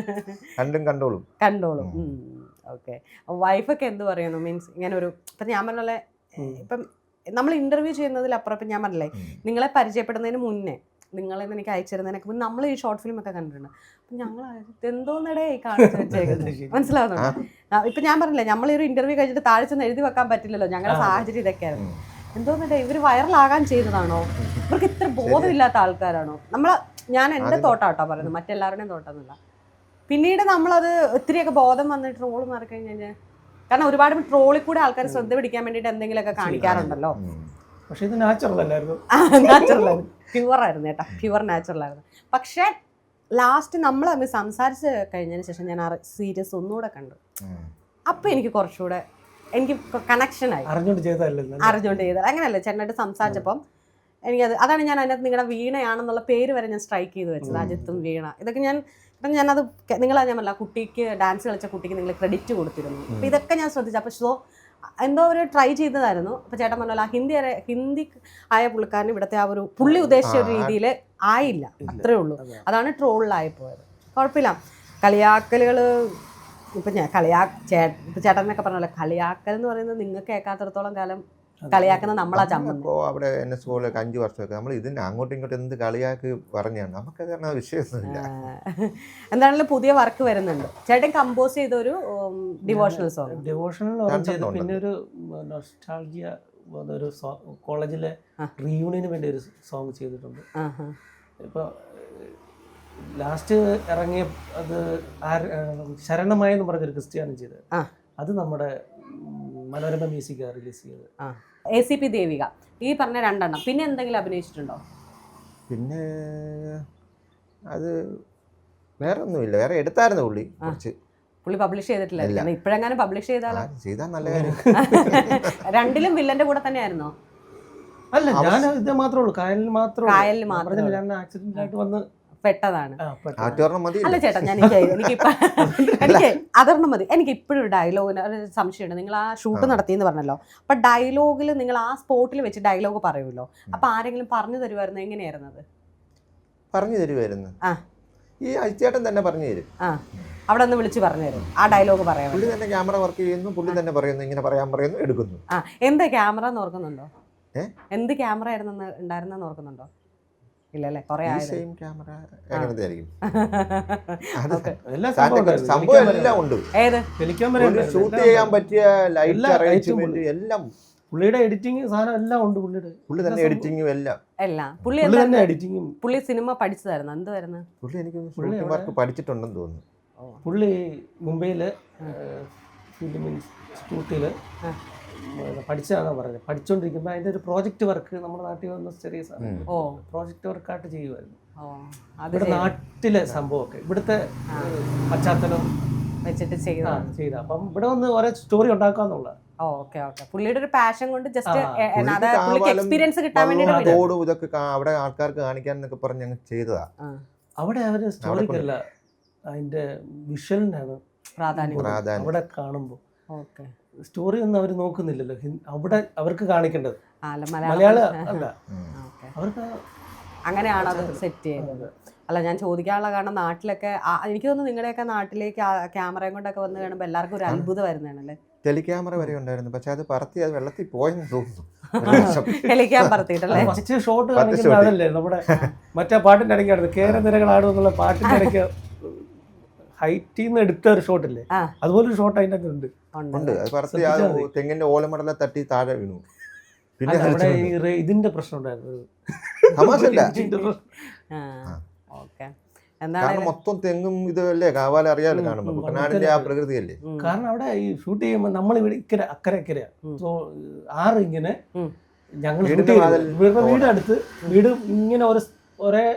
C: കണ്ടും കണ്ടോളും
B: കണ്ടോളും. ഓക്കെ. വൈഫൊക്കെ എന്ത് പറയുന്നു? മീൻസ് ഇങ്ങനെ ഒരു ഇപ്പം ഞാൻ പറഞ്ഞ പോലെ ഇപ്പം നമ്മൾ ഇന്റർവ്യൂ ചെയ്യുന്നതിലപ്പുറം ഇപ്പം ഞാൻ പറഞ്ഞില്ലേ, നിങ്ങളെ പരിചയപ്പെടുന്നതിന് മുന്നേ നിങ്ങളെന്ന് എനിക്ക് അയച്ചിരുന്നതിനൊക്കെ മുന്നേ നമ്മൾ ഈ ഷോർട്ട് ഫിലിം ഒക്കെ കണ്ടിട്ടുണ്ട്. അപ്പം ഞങ്ങൾ എന്തോന്നിടെ ഈ കാണിച്ചു വെച്ചേക്കുന്നത് മനസ്സിലാവുന്നുണ്ടോ? ഇപ്പം ഞാൻ പറഞ്ഞില്ലേ, നമ്മൾ ഈ ഒരു ഇന്റർവ്യൂ കഴിഞ്ഞിട്ട് താഴെ ചെന്ന് എഴുതി വെക്കാൻ പറ്റില്ലല്ലോ, ഞങ്ങളുടെ സാഹചര്യം ഇതൊക്കെയായിരുന്നു. എന്തോന്നിടെ ഇവർ വൈറലാകാൻ ചെയ്തതാണോ? ഇവർക്ക് ഇത്ര ബോധമില്ലാത്ത ആൾക്കാരാണോ? നമ്മൾ ഞാൻ എൻ്റെ തോട്ടാട്ടോ പറയുന്നത്, മറ്റെല്ലാവരുടെയും തോട്ടമൊന്നുമില്ല. പിന്നീട് നമ്മളത് ഒത്തിരിയൊക്കെ ബോധം വന്ന് ട്രോള് മാറി കഴിഞ്ഞ് കഴിഞ്ഞാൽ, കാരണം ഒരുപാട് ട്രോളിൽ കൂടെ ആൾക്കാർ ശ്രദ്ധ പിടിക്കാൻ വേണ്ടിയിട്ട് എന്തെങ്കിലുമൊക്കെ കാണിക്കാറുണ്ടല്ലോ.
D: പക്ഷെ ഇത് നാച്ചുറൽ അല്ലായിരുന്നു.
B: നാച്ചുറൽ ആയിരുന്നു, പ്യുവർ ആയിരുന്നു കേട്ടോ, പ്യുവർ നാച്ചുറൽ ആയിരുന്നു. പക്ഷെ ലാസ്റ്റ് നമ്മൾ തമ്മിൽ സംസാരിച്ച് കഴിഞ്ഞതിന് ശേഷം ഞാൻ ആ സീരീസ് ഒന്നുകൂടെ കണ്ടു. അപ്പം എനിക്ക് കുറച്ചുകൂടെ എനിക്ക് കണക്ഷനായി.
D: അറിഞ്ഞുകൊണ്ട് ചെയ്തതല്ലേ?
B: അറിഞ്ഞുകൊണ്ട് ചെയ്തത് അങ്ങനെയല്ലേ, ചേട്ടനായിട്ട് സംസാരിച്ചപ്പം എനിക്കത് അതാണ് ഞാൻ അതിനകത്ത് നിങ്ങളുടെ വീണയാണെന്നുള്ള പേര് വരെ ഞാൻ സ്ട്രൈക്ക് ചെയ്ത് വെച്ചത്. അജിത്തും വീണ ഇതൊക്കെ ഞാൻ അപ്പം ഞാനത് നിങ്ങളാ ഞാൻ പറഞ്ഞ കുട്ടിക്ക് ഡാൻസ് കളിച്ച കുട്ടിക്ക് നിങ്ങൾ ക്രെഡിറ്റ് കൊടുത്തിരുന്നു. അപ്പം ഇതൊക്കെ ഞാൻ ശ്രദ്ധിച്ചു. അപ്പോൾ ഷോ എന്തോ ഒരു ട്രൈ ചെയ്തതായിരുന്നു. അപ്പോൾ ചേട്ടൻ പറഞ്ഞല്ലോ, ആ ഹിന്ദി ഹിന്ദി ആയ പുള്ളിക്കാരൻ ഇവിടുത്തെ ആ ഒരു പുള്ളി ഉദ്ദേശിച്ച ഒരു രീതിയിൽ ആയില്ല, അത്രേ ഉള്ളൂ. അതാണ് ട്രോളിലായി പോയത്. കുഴപ്പമില്ല. കളിയാക്കലുകൾ ഇപ്പം ഞാൻ കളിയാ ചേ ഇപ്പം ചേട്ടനൊക്കെ പറഞ്ഞല്ലോ, കളിയാക്കൽ എന്ന് പറയുന്നത് നിങ്ങൾക്ക് കേൾക്കാത്തിടത്തോളം കാലം കളിയാക്കുന്ന നമ്മളാ ചമ്മ.
C: അവിടെ എന്നെ സ്കൂളിലൊക്കെ അഞ്ചു വർഷമൊക്കെ നമ്മൾ ഇതിന് അങ്ങോട്ടും ഇങ്ങോട്ടും എന്ത് കളിയാക്കി പറഞ്ഞാണ്, നമുക്ക് കാരണം വിഷയമൊന്നുമില്ല.
B: എന്താണെങ്കിലും പുതിയ വർക്ക് വരുന്നുണ്ട്. ചേട്ടൻ കമ്പോസ് ചെയ്തൊരു ഡിവോഷണൽ സോങ്.
D: ഡിവോഷണൽ പിന്നെ ഒരു നൊസ്റ്റാൾജിയ ഒരു കോളേജിലെ റീയൂണിയന് വേണ്ടി ഒരു സോങ് ചെയ്തിട്ടുണ്ട്. ഇപ്പോൾ ലാസ്റ്റ് ഇറങ്ങിയ അത് ശരണമായി എന്ന് പറഞ്ഞൊരു ക്രിസ്ത്യാനി ചെയ്തത്, അത് നമ്മുടെ മനോരമ മ്യൂസിക് റിലീസ് ചെയ്തത്.
B: എ സി പി ദേവിക ഈ പറഞ്ഞ രണ്ടെണ്ണം. പിന്നെ എന്തെങ്കിലും അഭിനയിച്ചിട്ടുണ്ടോ?
C: പിന്നെ അത് വേറെ ഒന്നുമില്ല. വേറെ എടുത്തായിരുന്നു പുള്ളി കുറച്ച്.
B: പുള്ളി പബ്ലിഷ് ചെയ്തിട്ടില്ല. ഇപ്പോഴെങ്ങാനും പബ്ലിഷ് ചെയ്താലോ?
C: ചെയ്താൽ നല്ല കാര്യം.
B: രണ്ടിലും വില്ലന്റെ കൂടെ തന്നെയായിരുന്നോ?
D: അല്ല, ഞാൻ ഇത് മാത്രമേ ഉള്ളൂ. കായലിൽ മാത്രമേ
B: കായലിൽ മാത്രമേ
D: ഞാൻ ആക്സിഡന്റ് ആയിട്ട് വന്ന്
B: പെട്ടതാണ്.
C: മതി.
B: അല്ല ചേട്ടാ, ഞാൻ എനിക്കിപ്പോ എനിക്ക് അതൊരെണ്ണം മതി. എനിക്ക് ഇപ്പോഴും ഒരു ഡയലോഗിന് ഒരു സംശയമുണ്ട്. നിങ്ങൾ ആ ഷൂട്ട് നടത്തിയെന്ന് പറഞ്ഞല്ലോ, അപ്പൊ ഡയലോഗിൽ നിങ്ങൾ ആ സ്പോട്ടിൽ വെച്ച് ഡയലോഗ് പറയുമല്ലോ, അപ്പൊ ആരെങ്കിലും പറഞ്ഞു തരുമായിരുന്നു? എങ്ങനെയായിരുന്നത്?
C: പറഞ്ഞു തരുമായിരുന്നു. ഈ അജിത്തേട്ടൻ തന്നെ പറഞ്ഞു തരും.
B: ആ, അവിടെ ഒന്ന് വിളിച്ച് പറഞ്ഞു തരും ആ ഡയലോഗ് പറയാൻ.
C: പുള്ളി തന്നെ ക്യാമറ വർക്ക് ചെയ്യുന്നു, പുള്ളി തന്നെ പറയുന്നു, ഇങ്ങനെ പറയാൻ പറയുന്നു, എടുക്കുന്നു.
B: ആ, എന്ത് ക്യാമറ എന്ന് ഓർക്കുന്നുണ്ടോ? എന്ത് ക്യാമറ ആയിരുന്നു ഉണ്ടായിരുന്നെന്ന് ഓർക്കുന്നുണ്ടോ? ഇല്ലല്ലേ, കുറെ
C: ക്യാമറ എങ്ങനത്തെ ആയിരിക്കും?
D: സംഭവം
C: എല്ലാം ഉണ്ട്.
B: ഏത്
C: ഷൂട്ട് ചെയ്യാൻ പറ്റിയ ലൈറ്റ് അറേഞ്ച്മെന്റ് എല്ലാം,
D: പുള്ളിയുടെ എഡിറ്റിംഗ് സാധനം എല്ലാം ഉണ്ട്. പുള്ളിയുടെ
C: പുള്ളി തന്നെ എഡിറ്റിംഗും എല്ലാം
B: എല്ലാം പുള്ളി
D: തന്നെ എഡിറ്റിംഗും.
B: പുള്ളി സിനിമ പഠിച്ചതായിരുന്നു. എന്തുവായിരുന്നു
C: പുള്ളി? എനിക്ക് ഷൂട്ടിംഗ് വർക്ക് പഠിച്ചിട്ടുണ്ടെന്ന് തോന്നുന്നു.
D: പുള്ളി മുംബൈയില് ഫിലിം ഇൻസ്റ്റിറ്റ്യൂട്ടില് പഠിച്ചതാണെന്ന് പറഞ്ഞത്. പഠിച്ചുകൊണ്ടിരിക്കുമ്പോൾ അതിൻ്റെ ഒരു പ്രോജക്റ്റ് വർക്ക് നമ്മുടെ നാട്ടിൽ വന്ന ചെറിയ സാധനം പ്രോജക്റ്റ് വർക്കായിട്ട് ചെയ്യുമായിരുന്നു. ഇവിടെ നാട്ടിലെ സംഭവമൊക്കെ ഇവിടുത്തെ പശ്ചാത്തലം
B: വെച്ചിട്ട് ചെയ്ത
D: ചെയ്ത അപ്പം ഇവിടെ വന്ന് ഓരോ സ്റ്റോറി ഉണ്ടാക്കാന്നുള്ള.
B: Okay okay. പുള്ളിയുടെ ഒരു പാഷൻ കൊണ്ട് ജസ്റ്റ് എക്സ്പീരിയൻസ് കിട്ടാൻ വേണ്ടി
C: ഇതൊക്കെ അവിടെ ആൾക്കാർക്ക് കാണിക്കാൻ എന്നൊക്കെ പറഞ്ഞ് ഞങ്ങൾ ചെയ്തതാ.
D: അവിടെ അവര് സ്റ്റോറിക്കല്ല, അതിന്റെ വിഷ്വലിനാണ്
B: പ്രാധാന്യം
D: അവിടെ കാണുമ്പോൾ. ഓക്കെ, സ്റ്റോറി ഒന്നും അവർ നോക്കുന്നില്ലല്ലോ. അവിടെ അവർക്ക് കാണിക്കേണ്ടത് മലയാളം അല്ല, അവർക്ക്
B: അങ്ങനെയാണ് അത് സെറ്റ് ചെയ്യുന്നത്. അല്ല, ഞാൻ ചോദിക്കാനുള്ള കാരണം നാട്ടിലൊക്കെ എനിക്ക് തോന്നുന്നു നിങ്ങളുടെയൊക്കെ നാട്ടിലേക്ക് ക്യാമറയും കൊണ്ടൊക്കെ വന്ന് കാണുമ്പോൾ എല്ലാവർക്കും ഒരു അത്ഭുതം വരുന്നതാണല്ലേ.
C: ടെലിക്യാമറ വരെ ഉണ്ടായിരുന്നു, പക്ഷെ അത് പറത്തി അത് വെള്ളത്തിൽ പോയെന്ന് തോന്നുന്നു.
B: ടെലിക്യാമറ പറത്തിയിട്ടല്ലേ?
D: ഫസ്റ്റ് ഷോട്ട് കാണിക്കുന്നതല്ലേ നമ്മുടെ മറ്റേ പാട്ടിന്റെ ഇടയ്ക്കാണ് കേരനിരകളാടുന്നുള്ള പാട്ടിന്റെ ഇടയ്ക്ക് ഹൈറ്റിൽ നിന്ന് എടുത്ത ഒരു ഷോട്ടില്ലേ, അതുപോലൊരു ഷോട്ട് അതിൻ്റെ അകത്ത് ഉണ്ട്.
C: ഉണ്ട്, അത് പറത്തി ആ തെങ്ങിന്റെ ഓലമടല തട്ടി താഴെ വീണു.
D: പിന്നെ അവിടെ ഈ ഇതിന്റെ പ്രശ്നം ഉണ്ടായിരുന്നു.
C: കാരണം മൊത്തം തെങ്ങും ഇതല്ലേ കാവാല അറിയാലോ കാണുമ്പോൾ, കുട്ടനാടിന്റെ ആ പ്രകൃതിയല്ലേ.
D: കാരണം അവിടെ ഈ ഷൂട്ട് ചെയ്യുമ്പോൾ നമ്മൾ ഇവിടെ ഇക്കര അക്കരെ ഇക്കരയാ, സോ ആറ് ഇങ്ങനെ ഞങ്ങൾ വീട് അടുത്ത് വീട് ഇങ്ങനെ ഒരു ഒരേ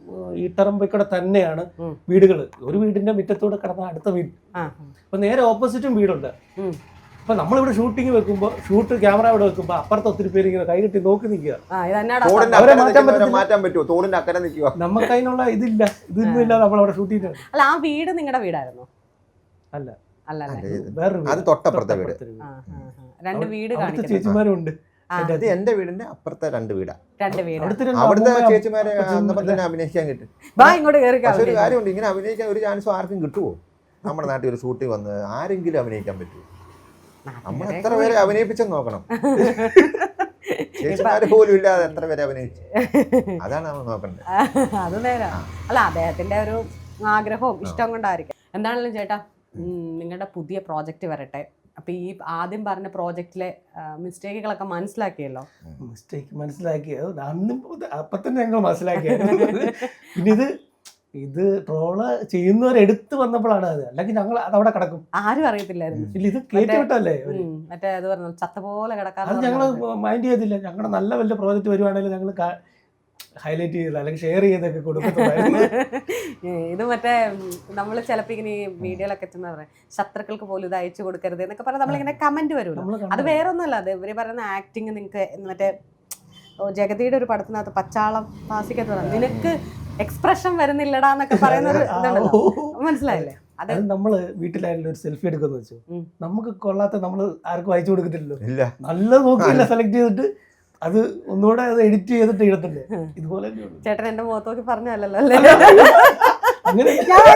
D: ഈട്ടറമ്പിൽ തന്നെയാണ് വീടുകൾ. ഒരു വീടിന്റെ മുറ്റത്തൂടെ കിടന്ന അടുത്ത വീട്. അപ്പൊ നേരെ ഓപ്പോസിറ്റും വീടുണ്ട്. അപ്പൊ നമ്മളിവിടെ ഷൂട്ടിങ് വെക്കുമ്പോൾ ഷൂട്ട് ക്യാമറ ഇവിടെ വെക്കുമ്പോൾ അപ്പുറത്ത് ഒത്തിരി പേര് ഇങ്ങനെ കൈകെട്ടി നോക്കി നിൽക്കുക. അവരെ
C: മാറ്റാൻ പറ്റുമോ? തോടിന്റെ അക്കരെ നിൽക്കുക.
D: നമുക്ക് അതിനുള്ള ഇതില്ല, ഇതൊന്നും ഇല്ല. നമ്മളവിടെ ഷൂട്ട് ചെയ്യുന്നത്.
B: അല്ല, ആ വീട് നിങ്ങളുടെ വീടായിരുന്നോ?
D: അല്ല
B: അല്ല,
D: വേറൊരു
C: അത് തൊട്ടപ്പുറത്തെ വീട്.
B: രണ്ട് വീട് കാണിക്കുന്നു.
D: ചേച്ചിമാരും ഉണ്ട്.
C: അത് എന്റെ വീടിന്റെ അപ്പുറത്തെ രണ്ട് വീടാ.
B: രണ്ട് വീട്.
C: അവിടുത്തെ ചേച്ചിമാരെ അന്നപ്പം തന്നെ അഭിനയിക്കാൻ കിട്ടും.
B: ഇങ്ങോട്ട് കയറി.
C: പക്ഷെ ഒരു കാര്യമുണ്ട്, ഇങ്ങനെ അഭിനയിക്കാൻ ഒരു ചാൻസും ആർക്കും കിട്ടുമോ? നമ്മുടെ നാട്ടിൽ ഒരു ഷൂട്ടിൽ വന്ന് ആരെങ്കിലും അഭിനയിക്കാൻ പറ്റുമോ? നമ്മൾ എത്ര പേരെ അഭിനയിപ്പിച്ചെന്ന് നോക്കണം. ചേച്ചിമാര് പോലും ഇല്ലാതെ എത്ര പേരെ അഭിനയിച്ചു, അതാണ് നമ്മൾ നോക്കണ്ടത്.
B: അത് നേരാ. അല്ല, അദ്ദേഹത്തിന്റെ ഒരു ആഗ്രഹവും ഇഷ്ടം കൊണ്ടായിരിക്കും. എന്താണെങ്കിലും ചേട്ടാ, നിങ്ങളുടെ പുതിയ പ്രോജക്റ്റ് വരട്ടെ. അപ്പൊ ഈ ആദ്യം പറഞ്ഞ പ്രോജക്റ്റിലെ മിസ്റ്റേക്കുകളൊക്കെ മനസ്സിലാക്കിയല്ലോ.
D: മിസ്റ്റേക്ക് മനസ്സിലാക്കിയത് അന്നും അപ്പൊ തന്നെ ഞങ്ങൾ മനസ്സിലാക്കിയത്. പിന്നെ ഇത് ഇത് ട്രോള് ചെയ്യുന്നവരെടുത്ത് വന്നപ്പോഴാണ് അത്. അല്ലെങ്കിൽ ഞങ്ങൾ അതവിടെ കിടക്കും,
B: ആരും അറിയത്തില്ലായിരുന്നു.
D: ഇല്ല, ഇത് കേട്ടി വിട്ടല്ലേ
B: മറ്റേ അത് പറഞ്ഞു ചത്ത പോലെ കിടക്കാൻ.
D: അത് ഞങ്ങൾ മൈൻഡ് ചെയ്തില്ല. ഞങ്ങളുടെ നല്ല വലിയ പ്രോജക്റ്റ് വരുവാണെങ്കിൽ ഞങ്ങൾ ഹൈലൈറ്റ് ചെയ്ത് അല്ലെങ്കിൽ ഷെയർ ചെയ്തൊക്കെ കൊടുക്കുന്നുണ്ടായിരുന്നു.
B: ഇത് മറ്റേ നമ്മൾ ചിലപ്പോൾ ഇങ്ങനെ ഈ വീഡിയോയിലൊക്കെ എത്തുന്ന പറയാം, ശത്രുക്കൾക്ക് പോലും ഇത് അയച്ചു കൊടുക്കരുത് എന്നൊക്കെ പറഞ്ഞാൽ നമ്മളിങ്ങനെ കമന്റ് വരുമല്ലോ. അത് വേറെ ഒന്നുമല്ല, അത് ഇവര് പറയുന്ന ആക്ടിങ്. നിങ്ങൾക്ക് മറ്റേ ജഗതിയുടെ ഒരു പടത്തിനകത്ത് പച്ചാളം പാസിക്കത്ത് പറഞ്ഞു, നിനക്ക് എക്സ്പ്രഷൻ വരുന്നില്ലടാ എന്നൊക്കെ പറയുന്ന ഒരു ഇതുണ്ടല്ലോ, മനസ്സിലായില്ലേ?
D: അത് നമ്മള് വീട്ടിലായാലും ഒരു സെൽഫി എടുക്കുന്ന വെച്ചു, നമുക്ക് കൊള്ളാത്ത നമ്മൾ ആർക്കും അയച്ചു കൊടുക്കത്തില്ലല്ലോ. നല്ല നോക്കിയില്ല സെലക്ട് ചെയ്തിട്ട് അത് ഒന്നുകൂടെ അത് എഡിറ്റ് ചെയ്തിട്ട് ഇടത്തില്ലേ. ഇതുപോലെ
B: ചേട്ടൻ എന്റെ മുഖത്ത് നോക്കി പറഞ്ഞല്ലോ അല്ലേ?
D: അങ്ങനെ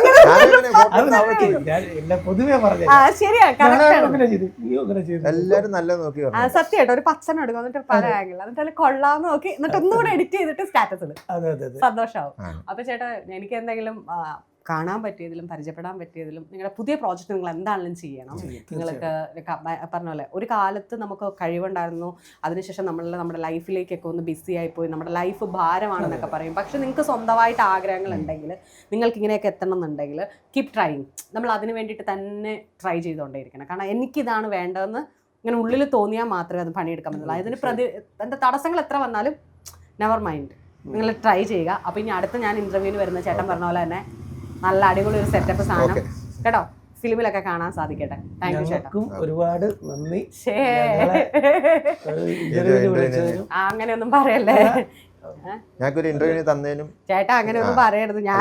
D: പൊതുവേ പറഞ്ഞു.
C: എല്ലാരും നല്ല നോക്കി
B: സത്യമായിട്ട് ഒരു പച്ചന എടുക്കും, എന്നിട്ട് പല ആംഗിൾ, എന്നിട്ട് അതിൽ കൊള്ളാന്ന് നോക്കി, എന്നിട്ട് ഒന്നുകൂടെ എഡിറ്റ് ചെയ്തിട്ട് സ്റ്റാറ്റസ് ഇടും. സന്തോഷാവും. അപ്പൊ ചേട്ടാ, എനിക്ക് എന്തെങ്കിലും കാണാൻ പറ്റിയതിലും പരിചയപ്പെടാൻ പറ്റിയതിലും നിങ്ങളുടെ പുതിയ പ്രോജക്റ്റ് നിങ്ങൾ എന്താണെങ്കിലും ചെയ്യണം. നിങ്ങൾക്ക് പറഞ്ഞ പോലെ ഒരു കാലത്ത് നമുക്ക് കഴിവുണ്ടായിരുന്നു, അതിനുശേഷം നമ്മൾ നമ്മുടെ ലൈഫിലേക്കൊക്കെ ഒന്ന് ബിസി ആയിപ്പോയി, നമ്മുടെ ലൈഫ് ഭാരമാണെന്നൊക്കെ പറയും. പക്ഷെ നിങ്ങൾക്ക് സ്വന്തമായിട്ട് ആഗ്രഹങ്ങൾ ഉണ്ടെങ്കിൽ, നിങ്ങൾക്ക് ഇങ്ങനെയൊക്കെ എത്തണം എന്നുണ്ടെങ്കിൽ കീപ് ട്രൈങ്. നമ്മൾ അതിന് വേണ്ടിയിട്ട് തന്നെ ട്രൈ ചെയ്തുകൊണ്ടേയിരിക്കണം. കാരണം എനിക്കിതാണ് വേണ്ടതെന്ന് ഇങ്ങനെ ഉള്ളിൽ തോന്നിയാൽ മാത്രമേ അത് പണിയെടുക്കാൻ പറ്റുള്ളൂ. അതിന് പ്രതി എൻ്റെ തടസ്സങ്ങൾ എത്ര വന്നാലും നെവർ മൈൻഡ്, നിങ്ങൾ ട്രൈ ചെയ്യുക. അപ്പോൾ ഇനി അടുത്ത ഞാൻ ഇൻ്റർവ്യൂവിന് വരുന്ന ചേട്ടൻ പറഞ്ഞ പോലെ തന്നെ നല്ല അടിപൊളി ഒരു സെറ്റപ്പ് സാധനം കേട്ടോ ഫിലിമിലൊക്കെ കാണാൻ സാധിക്കട്ടെ. താങ്ക് യു ചേട്ടാ,
D: ഒരുപാട് നന്ദി.
B: അങ്ങനെയൊന്നും പറയല്ലേ ചേട്ടാ, അങ്ങനെയൊന്നും പറയരുത്. ഞാൻ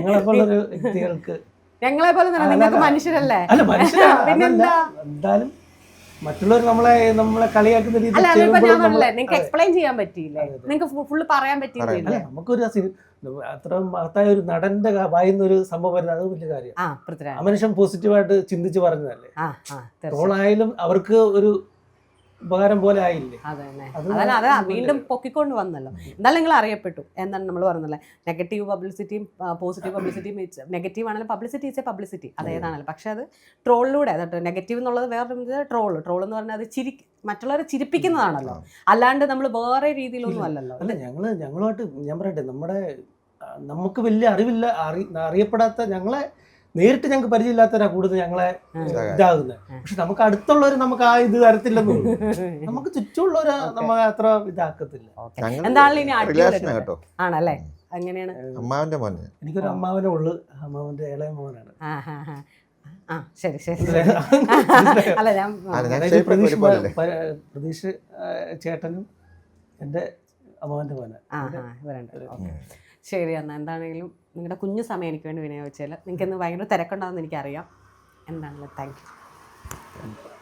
B: ഞങ്ങളെ പോലെ നിങ്ങൾക്ക് മനുഷ്യരല്ലേ? പിന്നെന്താ,
D: എന്തായാലും മറ്റുള്ളവർ നമ്മളെ നമ്മളെ കളിയാക്കുന്ന രീതിയിൽ
B: നിങ്ങൾക്ക് എക്സ്പ്ലെയിൻ ചെയ്യാൻ പറ്റിയില്ലേ? നിങ്ങൾക്ക് ഫുള്ള് പറയാൻ പറ്റിയില്ലേ?
D: നമുക്കൊരു അത്ര മഹത്തായ ഒരു നടന്റെ വായുന്നൊരു സംഭവം വരുന്നത് അത് വലിയ കാര്യം. ആ മനുഷ്യൻ പോസിറ്റീവായിട്ട് ചിന്തിച്ച് പറഞ്ഞതല്ലേ. ട്രോളായാലും അവർക്ക് ഒരു ഉപകാരം പോലെ ആയില്ലേ?
B: അതന്നെ, അത് വീണ്ടും പൊക്കിക്കൊണ്ട് വന്നല്ലോ. എന്നാലും നിങ്ങൾ അറിയപ്പെട്ടു. എന്താണ് നമ്മൾ പറഞ്ഞല്ലേ, നെഗറ്റീവ് പബ്ലിസിറ്റിയും പോസിറ്റീവ് പബ്ലിസിറ്റിയും. നെഗറ്റീവ് ആണെങ്കിലും പബ്ലിസിറ്റി ഈസ് എ പബ്ലിസിറ്റി, അതേതാണല്ലോ. പക്ഷെ അത് ട്രോളിലൂടെ, അതായത് നെഗറ്റീവ് എന്നുള്ളത് വേറെ ട്രോള്. ട്രോൾ എന്ന് പറഞ്ഞാൽ അത് ചിരി മറ്റുള്ളവരെ ചിരിപ്പിക്കുന്നതാണല്ലോ, അല്ലാണ്ട് നമ്മൾ വേറെ രീതിയിലൊന്നും അല്ലല്ലോ.
D: അല്ല, ഞങ്ങള് ഞങ്ങളുമായിട്ട് ഞാൻ പറയട്ടെ, നമ്മുടെ നമുക്ക് വലിയ അറിവില്ല, അറി അറിയപ്പെടാത്ത ഞങ്ങളെ നേരിട്ട് ഞങ്ങൾക്ക് പരിചയമില്ലാത്തവരാ കൂടുതൽ ഞങ്ങളെ ഇതാകുന്നത്. പക്ഷെ നമുക്ക് അടുത്തുള്ളവർ നമുക്ക് ആ ഇത് തരത്തില്ലെന്ന്, നമുക്ക് ചുറ്റുമുള്ളവര് നമ്മൾ അത്ര ഇതാക്കത്തില്ല.
B: ആണല്ലേ? അങ്ങനെയാണ്.
C: അമ്മാവന്റെ മോനെ,
D: എനിക്കൊരു അമ്മാവനെ ഉള്ളു, അമ്മാവന്റെ ഇളയ മോനാണ്.
B: ആ ശരി ശരി. അല്ല, ഞാൻ
D: പ്രതീക്ഷ പ്രതീക്ഷ ചേട്ടനും എൻ്റെ അമ്മാവന്റെ മോനെ.
B: ശരി. എന്നാൽ എന്താണെങ്കിലും നിങ്ങളുടെ കുഞ്ഞു സമയം എനിക്ക് വേണ്ടി വിനിയോഗിച്ചാൽ, നിങ്ങൾക്ക് ഇന്ന് ഭയങ്കര തിരക്കുണ്ടാകുമെന്ന് എനിക്കറിയാം. എന്താണെങ്കിലും താങ്ക് യു.